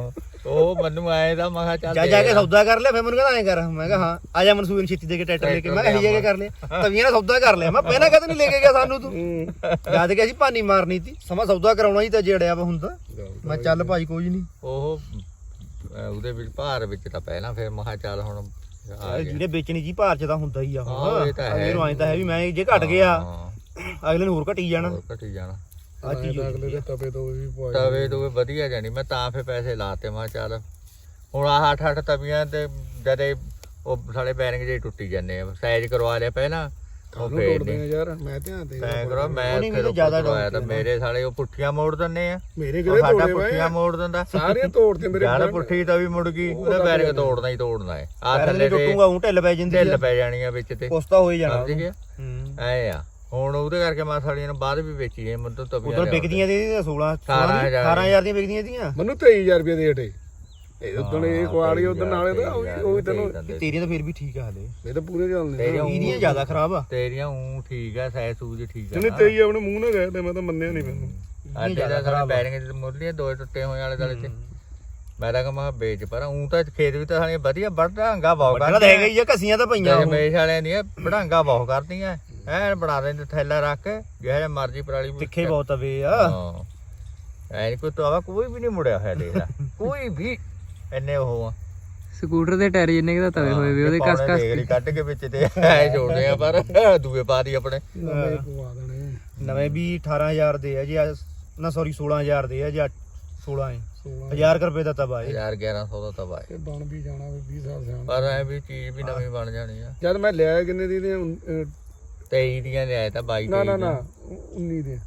[SPEAKER 2] ਉਹ ਮੈਨੂੰ ਆਏ ਦਾ ਮੈਂ ਕਿਹਾ ਚੱਲ
[SPEAKER 1] ਜਾ ਕੇ ਸੌਦਾ ਕਰ ਲਿਆ। ਫਿਰ ਮੈਨੂੰ ਕਹਿੰਦਾ ਐਂ ਕਰ ਮੈਂ ਕਿਹਾ ਹਾਂ ਆ ਜਾ ਮਨਸੂਬੇ ਨੂੰ ਛੇਤੀ ਦੇ ਕੇ ਟਰੈਕਟਰ ਲੈ ਕੇ। ਮੈਂ ਕਿਹਾ ਇਹ ਕਰ ਲਿਆ ਤਵੀਆਂ ਨਾਲ ਸੌਦਾ ਕਰ ਲਿਆ। ਮੈਂ ਪਹਿਲਾਂ ਕਦੇ ਨਹੀਂ ਲੈ ਕੇ ਗਿਆ ਸਾਨੂੰ ਤੂੰ ਯਾਦ ਕਿ ਅਸੀਂ ਭਾਨੀ ਮਾਰਨੀ ਸੀ ਸਮਾਂ ਸੌਦਾ ਕਰਾਉਣਾ ਹੀ ਤਾਂ ਜੜਿਆ ਵਾ ਹੁੰਦਾ। ਮੈਂ ਚੱਲ ਭਾਈ ਕੋਈ ਨਹੀਂ
[SPEAKER 2] ਉਹ ਉਹਦੇ ਵਿੱਚ ਭਾਰ ਵਿੱਚ ਤਾਂ ਪਹਿਲਾਂ ਫਿਰ ਮੈਂ ਕਿਹਾ ਚੱਲ ਹੁਣ ਆ ਗਿਆ।
[SPEAKER 1] ਜਿਹਨੇ ਵੇਚਣੀ ਜੀ ਭਾਰ ਚ ਤਾਂ ਹੁੰਦਾ ਹੀ ਆ।
[SPEAKER 2] ਹਾਂ, ਇਹ ਤਾਂ ਹੈ।
[SPEAKER 1] ਅਗਲੇ ਨੂੰ ਐਂ ਤਾਂ ਹੈ ਵੀ ਮੈਂ ਜੇ ਘਟ ਗਿਆ
[SPEAKER 2] ਹਾਂ,
[SPEAKER 1] ਅਗਲੇ ਨੂੰ ਹੋਰ ਘਟੀ ਜਾਣਾ।
[SPEAKER 2] ਹੋਰ ਘਟੀ ਜਾਣਾ
[SPEAKER 1] ਆ ਚੀਜ਼
[SPEAKER 4] ਅਗਲੇ ਦੇ ਤਵੇ ਤੋਂ ਵੀ ਪਵਾਏ
[SPEAKER 2] ਤਵੇ ਤੋਂ ਵਧੀਆ ਜਾਣੀ। ਮੈਂ ਤਾਂ ਫਿਰ ਪੈਸੇ ਲਾਤੇ ਮੈਂ ਕਿਹਾ ਚੱਲ ਹੁਣ ਆਹ 8 ਤਵੀਆਂ ਤੇ ਜਦੇ ਉਹ ਸਾਡੇ ਬੈਰਿੰਗ ਜੇ ਟੁੱਟੀ ਜਾਂਦੇ ਆ। ਸਾਈਜ਼ ਕਰਵਾ ਲਿਆ ਪਹਿਲਾਂ ਉਹ
[SPEAKER 4] ਨੂੰ
[SPEAKER 2] ਫੇਰ
[SPEAKER 4] ਤੋੜਦੇ
[SPEAKER 2] ਨਹੀਂ
[SPEAKER 4] ਆ ਯਾਰ ਮੈਂ ਧਿਆਨ ਦੇ
[SPEAKER 2] ਸਾਈਜ਼ ਕਰਵਾ ਮੈਂ
[SPEAKER 1] ਉਹਨੇ ਵੀ
[SPEAKER 2] ਫਿਰ
[SPEAKER 1] ਤਾਂ ਜ਼ਿਆਦਾ
[SPEAKER 2] ਕਰਵਾਇਆ ਤਾਂ ਮੇਰੇ ਸਾਲੇ ਉਹ ਪੁੱਠੀਆਂ ਮੋੜ ਦਿੰਦੇ ਆ।
[SPEAKER 4] ਮੇਰੇ
[SPEAKER 2] ਉਹ
[SPEAKER 4] ਕਿਹੜੇ
[SPEAKER 2] ਸਾਡਾ
[SPEAKER 4] ਤੋੜੇ
[SPEAKER 2] ਪੁੱਠੀਆਂ
[SPEAKER 4] ਵੇ
[SPEAKER 2] ਮੋੜ ਦਿੰਦਾ
[SPEAKER 4] ਸਾਰੇ ਤੋੜਦੇ ਮੇਰੇ
[SPEAKER 2] ਯਾਰ ਪੁੱਠੀ ਤਵੀ ਮੁੜ ਗਈ ਉਹਦਾ ਬੈਰਿੰਗ ਤੋੜਨਾ ਹੀ ਤੋੜਨਾ ਹੈ। ਆ ਥੱਲੇ ਤੇ
[SPEAKER 1] ਟੁੱਟੂਗਾ ਉਹ ਢਿੱਲ ਪੈ ਜਾਂਦੀ
[SPEAKER 2] ਢਿੱਲ ਪੈ ਜਾਣੀ ਆ ਵਿੱਚ ਤੇ
[SPEAKER 1] ਕੁਛ ਤਾਂ ਹੋ ਹੀ ਜਾਣਾ।
[SPEAKER 2] ਸਮਝ ਗਿਆ ਐ ਆ। ਹੁਣ ਉਹਦੇ ਕਰਕੇ ਮੈਂ ਸਾਲੀਆਂ ਨੂੰ ਬਾਅਦ ਵੀ ਵੇਚੀ ਜੇ ਮੈਨੂੰ ਤਵੀਆਂ
[SPEAKER 1] ਉਧਰ ਵਿਕਦੀਆਂ ਦੀ 16
[SPEAKER 2] 18,000
[SPEAKER 1] 18,000 ਦੀਆਂ ਵਿਕਦੀਆਂ ਦੀਆਂ।
[SPEAKER 4] ਮੈਨੂੰ 23000 ਰੁਪਏ ਦੇ ਹਟੇ ਇਹ ਉਦੋਂ ਇਹ ਕੁਆੜੀ ਉਦੋਂ ਨਾਲੇ ਤਾਂ ਉਹ ਤੈਨੂੰ
[SPEAKER 1] ਤੇਰੀਆਂ ਤਾਂ ਫਿਰ ਵੀ ਠੀਕ ਆ ਹਲੇ।
[SPEAKER 4] ਇਹ ਤਾਂ ਪੂਰੇ ਚੱਲਦੇ
[SPEAKER 2] ਤੇਰੀਆਂ
[SPEAKER 1] ਇਹਦੀਆਂ ਜ਼ਿਆਦਾ ਖਰਾਬ ਆ।
[SPEAKER 2] ਤੇਰੀਆਂ ਉਹ ਠੀਕ ਆ ਸਾਈਜ਼ ਸੂਜ ਠੀਕ ਆ
[SPEAKER 4] ਜਿਹਨੇ 23 ਆਪਣੇ ਮੂੰਹ ਨਾਲ ਗਏ ਤੇ ਮੈਂ ਤਾਂ ਮੰਨਿਆ ਨਹੀਂ ਮੈਨੂੰ
[SPEAKER 2] ਅੱਡੇ ਦਾ ਸਾਡਾ ਬੈਰਿੰਗ ਤੇ ਮੁਰਲੀਆਂ ਦੋ ਟੁੱਟੇ ਹੋਏ ਵਾਲੇ ਗਲੇ 'ਚ ਮੈਂ ਤਾਂ ਕਹਾਂ ਵੇਚ ਪਰ ਉਹ ਤਾਂ ਖੇਤ ਵੀ ਤਾਂ ਸਾਲੀਆਂ ਵਧੀਆ ਬੜਾਂਗਾ ਬਹੁਤ
[SPEAKER 1] ਪਹਿਲਾਂ ਤਾਂ ਹੈਗਾ ਹੀ ਆ ਘਸੀਆਂ ਤਾਂ ਪਈਆਂ ਉਹ।
[SPEAKER 2] ਮੇਸ਼ ਵਾਲਿਆਂ ਦੀਆਂ ਬੜਾਂਗਾ ਬਹੁਤ ਕਰਦੀਆਂ ਐ ਬਣਾ ਦਿੰਦੇ ਥੈਲਾ ਰੱਖ ਕੇ ਜਿਹੇ ਮਰਜੀ ਪਰਾਲੀ
[SPEAKER 1] ਤਿੱਖੇ ਬਹੁਤ ਤਵੇ ਆ।
[SPEAKER 2] ਹਾਂ ਐ ਨੀ ਕੋਈ ਤਵਾ ਕੋਈ ਵੀ ਨਹੀਂ ਮੁੜਿਆ ਹੋਇਆ ਦੇਖ ਲੈ ਕੋਈ ਵੀ ਇੰਨੇ ਉਹ ਆ
[SPEAKER 3] ਸਕੂਟਰ ਦੇ ਟਾਇਰ ਜਿੰਨੇ ਦਾ ਤਵੇ ਹੋਏ ਵੀ ਉਹਦੇ ਕਸ ਕਸ
[SPEAKER 2] ਦੇਖ ਕੱਢ ਕੇ ਵਿੱਚ ਤੇ ਐ ਜੋੜਦੇ ਆ ਪਰ ਦੂਏ ਪਾ ਦੀ ਆਪਣੇ
[SPEAKER 4] ਨਵੇਂ ਪਵਾ ਦੇਣੇ
[SPEAKER 1] ਨਵੇਂ ਵੀ 18,000 ਦੇ ਆ ਜੀ ਨਾ ਸੌਰੀ 16,000 ਦੇ ਆ ਜੀ 16 ਹੈ 1000 ਰੁਪਏ ਦਾ ਤਵਾ ਹੈ।
[SPEAKER 2] 1100 ਦਾ ਤਵਾ ਹੈ
[SPEAKER 4] ਇਹ ਬਣ ਵੀ ਜਾਣਾ ਵੀ 20 ਸਾਲ ਸਿਆਣਾ
[SPEAKER 2] ਪਰ ਐ ਵੀ ਚੀਜ਼ ਵੀ ਨਵੀਂ ਬਣ ਜਾਣੀ ਆ।
[SPEAKER 4] ਜਦ ਮੈਂ ਲਿਆ ਕਿੰਨੇ ਦੀ ਨੇ
[SPEAKER 2] 23 ਦੀਆਂ ਲਿਆਇਆ ਤਾਂ 22
[SPEAKER 4] ਨਾ ਨਾ ਨਾ 19 ਦੇ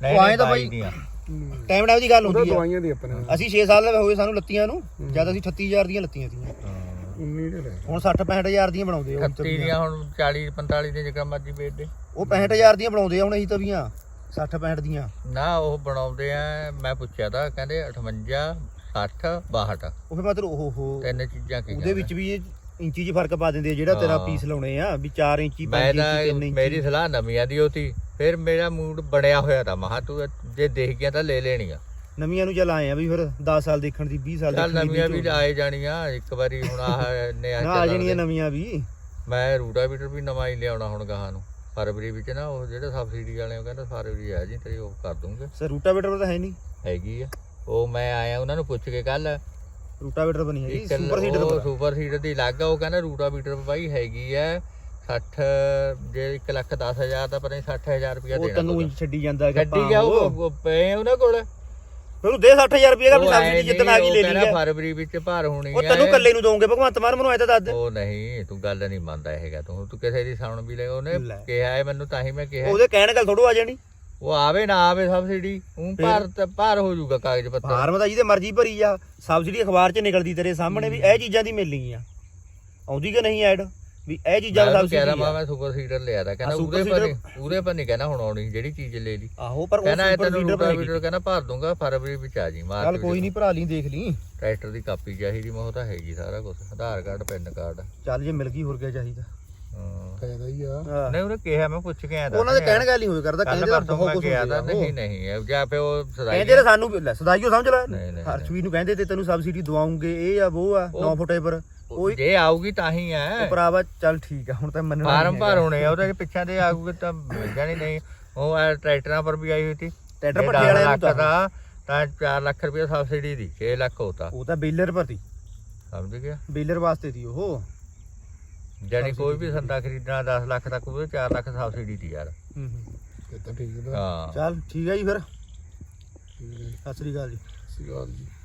[SPEAKER 1] ਉਹ ਆਏ ਤਾਂ ਬਾਈ ਟਾਈਮ ਦੀ ਗੱਲ
[SPEAKER 4] ਉਹਦਾ
[SPEAKER 1] ਹੁੰਦੀ ਆ।
[SPEAKER 4] ਦਵਾਈਆਂ ਦੀ ਆਪਣੇ
[SPEAKER 1] ਅਸੀਂ 6 ਸਾਲ ਹੋ ਗਏ ਸਾਨੂੰ ਲੱਤੀਆਂ ਨੂੰ, ਜਦ ਅਸੀਂ 38000 ਦੀਆਂ ਲੱਤੀਆਂ ਸੀ।
[SPEAKER 4] 19 ਦੇ ਲੈ
[SPEAKER 1] ਹੁਣ 60-65000 ਦੀਆਂ ਬਣਾਉਂਦੇ ਆ।
[SPEAKER 2] 30 ਦੀਆਂ ਹੁਣ 40-45 ਦੀਆਂ ਜਿਕਾ ਮਰਜੀ ਵੇਚ ਦੇ।
[SPEAKER 1] ਉਹ 65000 ਦੀਆਂ ਬਣਾਉਂਦੇ ਆ ਹੁਣ ਅਸੀਂ ਤਵੀਆਂ 60-65 ਦੀਆਂ।
[SPEAKER 2] ਨਾ ਉਹ ਬਣਾਉਂਦੇ ਆ, ਮੈਂ ਪੁੱਛਿਆ ਤਾਂ ਕਹਿੰਦੇ 58 60 62।
[SPEAKER 1] ਉਹ ਫਿਰ ਮਤਲਬ ਓਹੋ
[SPEAKER 2] ਤਿੰਨ ਚੀਜ਼ਾਂ ਕੀ
[SPEAKER 1] ਉਹਦੇ ਵਿੱਚ ਵੀ ਇੰਚੀ 'ਚ ਫਰਕ ਪਾ ਦਿੰਦੇ ਆ। ਜਿਹੜਾ ਤੇਰਾ ਪੀਸ ਲਾਉਣੇ ਆ ਵੀ 4 ਇੰਚੀ 5 ਇੰਚੀ 3 ਇੰਚੀ।
[SPEAKER 2] ਮੇਰੀ ਸਲਾਹ ਨਵੀਆਂ ਦੀ ਹੋਤੀ, ਫਿਰ ਮੇਰਾ ਮੂਡ ਬਣਿਆ ਹੋਇਆ ਤਾਂ ਮਹਾ ਤੂੰ ਜੇ ਦੇਖ ਗਿਆ ਤਾਂ ਲੈ ਲੈਣੀ ਆ
[SPEAKER 1] ਨਵੀਆਂ ਨੂੰ ਚੱਲ ਆਏ ਆ ਵੀ ਫਿਰ 10 ਸਾਲ ਦੇਖਣ ਦੀ 20 ਸਾਲ
[SPEAKER 2] ਚੱਲ
[SPEAKER 1] ਦੇਖਣ ਦੀ
[SPEAKER 2] ਨਵੀਆਂ ਵੀ ਆਏ ਜਾਣੀਆਂ ਇੱਕ ਵਾਰੀ। ਹੁਣ ਆਹ ਨੇ
[SPEAKER 1] ਨਾ ਆ ਜਾਣੀਆਂ ਨਵੀਆਂ ਵੀ।
[SPEAKER 2] ਮੈਂ ਰੂਟਾਵੀਟਰ ਵੀ ਨਵਾਂ ਹੀ ਲਿਆਉਣਾ ਹੁਣ ਗਾਹਾਂ ਨੂੰ ਫਰਵਰੀ ਵਿੱਚ ਨਾ। ਉਹ ਜਿਹੜੇ ਸਬਸਿਡੀ ਵਾਲੇ ਉਹ ਕਹਿੰਦਾ ਫਰਵਰੀ ਆ ਜੀ ਤੇਰੀ ਉਹ ਕਰ ਦੂੰਗੇ।
[SPEAKER 1] ਸਰ ਰੂਟਾਵੇਟਰ ਤਾਂ ਹੈ ਨਹੀਂ।
[SPEAKER 2] ਹੈਗੀ ਆ ਉਹ, ਮੈਂ ਆਇਆ ਉਹਨਾਂ ਨੂੰ ਪੁੱਛ ਕੇ ਕੱਲ।
[SPEAKER 1] ਰੂਟਾਵੇਟਰ ਬਣੀ ਹੈਗੀ ਸੁਪਰ ਸੀਡਰ।
[SPEAKER 2] ਸੁਪਰ ਸੀਡਰ ਦੀ ਲੱਗ ਆ। ਉਹ ਕਹਿੰਦਾ ਰੂਟਾਵੀਟਰ ਬਾਈ ਹੈਗੀ ਆ 60 ਜੇ 1,10,000 ਦਾ ਪਤਾ ਨਹੀਂ 60,000 ਰੁਪਇਆ
[SPEAKER 1] ਉਹ
[SPEAKER 2] ਦੇਣਾ।
[SPEAKER 1] ਤੈਨੂੰ ਇੰਚ ਛੱਡੀ ਜਾਂਦਾ
[SPEAKER 2] ਗੱਡੀ ਗਿਆ ਉਹ ਪਏ ਉਹਨਾਂ ਕੋਲ।
[SPEAKER 1] ਫਿਰ ਉਹ ਦੇ 60,000 ਰੁਪਏ ਦਾ ਸਬਸਿਡੀ ਜਿੱਦਣ ਆ ਗਈ ਲੈ ਲਈ।
[SPEAKER 2] ਫਰਵਰੀ ਵਿੱਚ ਭਾਰ ਹੋਣੀ
[SPEAKER 1] ਉਹ ਤੈਨੂੰ ਇਕੱਲੇ ਨੂੰ ਦੋਗੇ ਭਗਵੰਤ ਮਾਨ ਮੈਨੂੰ ਐ ਤਾਂ ਦੱਸ ਦੇ।
[SPEAKER 2] ਉਹ ਨਹੀਂ ਤੂੰ ਗੱਲ ਨਹੀਂ ਮੰਨਦਾ ਹੈਗਾ। ਤੂੰ ਕਿਸੇ ਦੀ ਸੁਣ ਵੀ ਲੈ। ਉਹਨੇ ਕਿਹਾ ਹੈ ਮੈਨੂੰ, ਤਾਂ ਹੀ ਮੈਂ ਕਿਹਾ
[SPEAKER 1] ਉਹਦੇ ਕਹਿਣ ਗੱਲ ਥੋੜੋ ਆ ਜਾਣੀ।
[SPEAKER 2] ਉਹ ਆਵੇ ਨਾ ਆਵੇ ਸਬਸਿਡੀ ਉਹ ਭਾਰ ਹੋ ਜਾਊਗਾ ਕਾਗਜ਼ ਪੱਤਰ।
[SPEAKER 1] ਫਾਰਮ ਤਾਂ ਜਿਹਦੇ ਮਰਜ਼ੀ ਭਰੀ ਆ। ਸਬਸਿਡੀ ਅਖਬਾਰ 'ਚ ਨਿਕਲਦੀ ਤੇਰੇ ਸਾਹਮਣੇ ਵੀ ਇਹ ਚੀਜ਼ਾਂ ਦੀ ਮਿਲਣੀ ਆ। ਆਉਂਦੀ ਕਿ ਨਹੀਂ ਐਡ ਵੀ ਇਹ ਚੀਜ਼ਾਂ ਦਾ
[SPEAKER 2] ਸਬਸਿਡੀ ਆ। ਮੈਂ ਸੁਪਰ ਸੀਡਰ ਲਿਆ ਤਾਂ ਕਹਿੰਦਾ ਉਹਦੇ ਪਰ ਨਹੀਂ ਕਹਿੰਦਾ ਹੁਣ ਆਉਣੀ ਜਿਹੜੀ ਚੀਜ਼ ਲੈ ਲਈ।
[SPEAKER 1] ਆਹੋ ਪਰ ਉਹ
[SPEAKER 2] ਕਹਿੰਦਾ
[SPEAKER 1] ਸੁਪਰ
[SPEAKER 2] ਤੈਨੂੰ
[SPEAKER 1] ਸੀਡਰ
[SPEAKER 2] ਰੂਟਾਵੀਟਰ ਕਹਿੰਦਾ ਭਰ ਦੂੰਗਾ ਫਰਵਰੀ ਵਿੱਚ ਆ ਜੀ ਮਾਰ।
[SPEAKER 1] ਚੱਲ ਕੋਈ ਨਹੀਂ ਭਰਾ ਲਈ ਦੇਖ ਲਈ।
[SPEAKER 2] ਟਰੈਕਟਰ ਦੀ ਕਾਪੀ ਚਾਹੀਦੀ ਮੈਂ ਉਹ ਤਾਂ ਹੈਗੀ ਸਾਰਾ ਕੁਝ, ਆਧਾਰ ਕਾਰਡ ਪੈਨ ਕਾਰਡ।
[SPEAKER 1] ਚੱਲ ਜੇ ਮਿਲ ਗਈ ਹੋਰ ਕੀ ਚਾਹੀਦਾ।
[SPEAKER 4] ਫਾਇਦਾ ਹੀ ਆ।
[SPEAKER 2] ਨਹੀਂ ਉਹਨੇ ਕਿਹਾ ਮੈਂ ਪੁੱਛ ਕੇ ਆਇਆ ਤਾਂ
[SPEAKER 1] ਉਹਨਾਂ ਦੇ ਕਹਿਣ ਗੱਲ ਹੀ ਹੋਏ ਕਰਦਾ। ਕਹਿੰਦੇ ਤਾਂ ਬਹੁਤ ਕੁਝ
[SPEAKER 2] ਗਿਆ ਤਾਂ ਨਹੀਂ ਜਾਂ ਫਿਰ ਉਹ ਸਦਾਈ
[SPEAKER 1] ਕਹਿੰਦੇ ਤਾਂ ਸਾਨੂੰ ਸਦਾਈਓ ਸਮਝ ਲੈ।
[SPEAKER 2] ਨਹੀਂ।
[SPEAKER 1] ਹਰਸ਼ਵੀਰ ਨੂੰ ਕਹਿੰਦੇ ਤੇ ਤੈਨੂੰ ਸਬਸਿਡੀ ਦਵਾਉਂਗੇ ਇਹ ਆ ਉਹ ਆ 9 ਫੁੱਟੇ ਪਰ ਕੋਈ
[SPEAKER 2] ਜੇ ਆਊਗੀ ਤਾਂ ਹੀ ਹੈ
[SPEAKER 1] ਭਰਾਵਾ। ਚੱਲ ਠੀਕ ਆ ਹੁਣ ਤਾਂ ਮੰਨਣਾ
[SPEAKER 2] ਫਾਰਮ ਭਰ ਹੋਣੇ ਆ ਉਹਦੇ ਪਿੱਛੇ ਦੇ ਆਊਗੇ ਤਾਂ ਮਿਲ ਜਾਣੀ। ਨਹੀਂ ਉਹ ਟਰੈਕਟਰਾਂ ਪਰ ਵੀ ਆਈ ਹੋਈ ਸੀ
[SPEAKER 1] ਟਰੈਕਟਰ ਭੱਠੇ ਵਾਲਿਆਂ ਨੂੰ
[SPEAKER 2] ਦਾ ਤਾਂ 4 ਲੱਖ ਰੁਪਏ ਸਬਸਿਡੀ ਦੀ 6 ਲੱਖ ਹੋਤਾ।
[SPEAKER 1] ਉਹ ਤਾਂ ਬੇਲਰ ਪਰ ਸੀ,
[SPEAKER 2] ਸਮਝ ਗਿਆ
[SPEAKER 1] ਬੇਲਰ ਵਾਸਤੇ ਸੀ ਉਹ।
[SPEAKER 2] ਜਾਨੀ ਕੋਈ ਵੀ ਸੰਦਾ ਖਰੀਦਣਾ 10 ਲੱਖ ਤੱਕ ਉਹਦੇ 4 ਲੱਖ ਸਬਸਿਡੀ ਦੀ ਯਾਰ।
[SPEAKER 4] ਇਹ ਤਾਂ ਠੀਕ ਦਾ।
[SPEAKER 2] ਹਾਂ
[SPEAKER 1] ਚੱਲ ਠੀਕ ਹੈ ਜੀ ਫਿਰ। ਸਤਿ ਸ੍ਰੀ ਅਕਾਲ ਜੀ।
[SPEAKER 4] ਸਹੀ ਗੱਲ ਜੀ।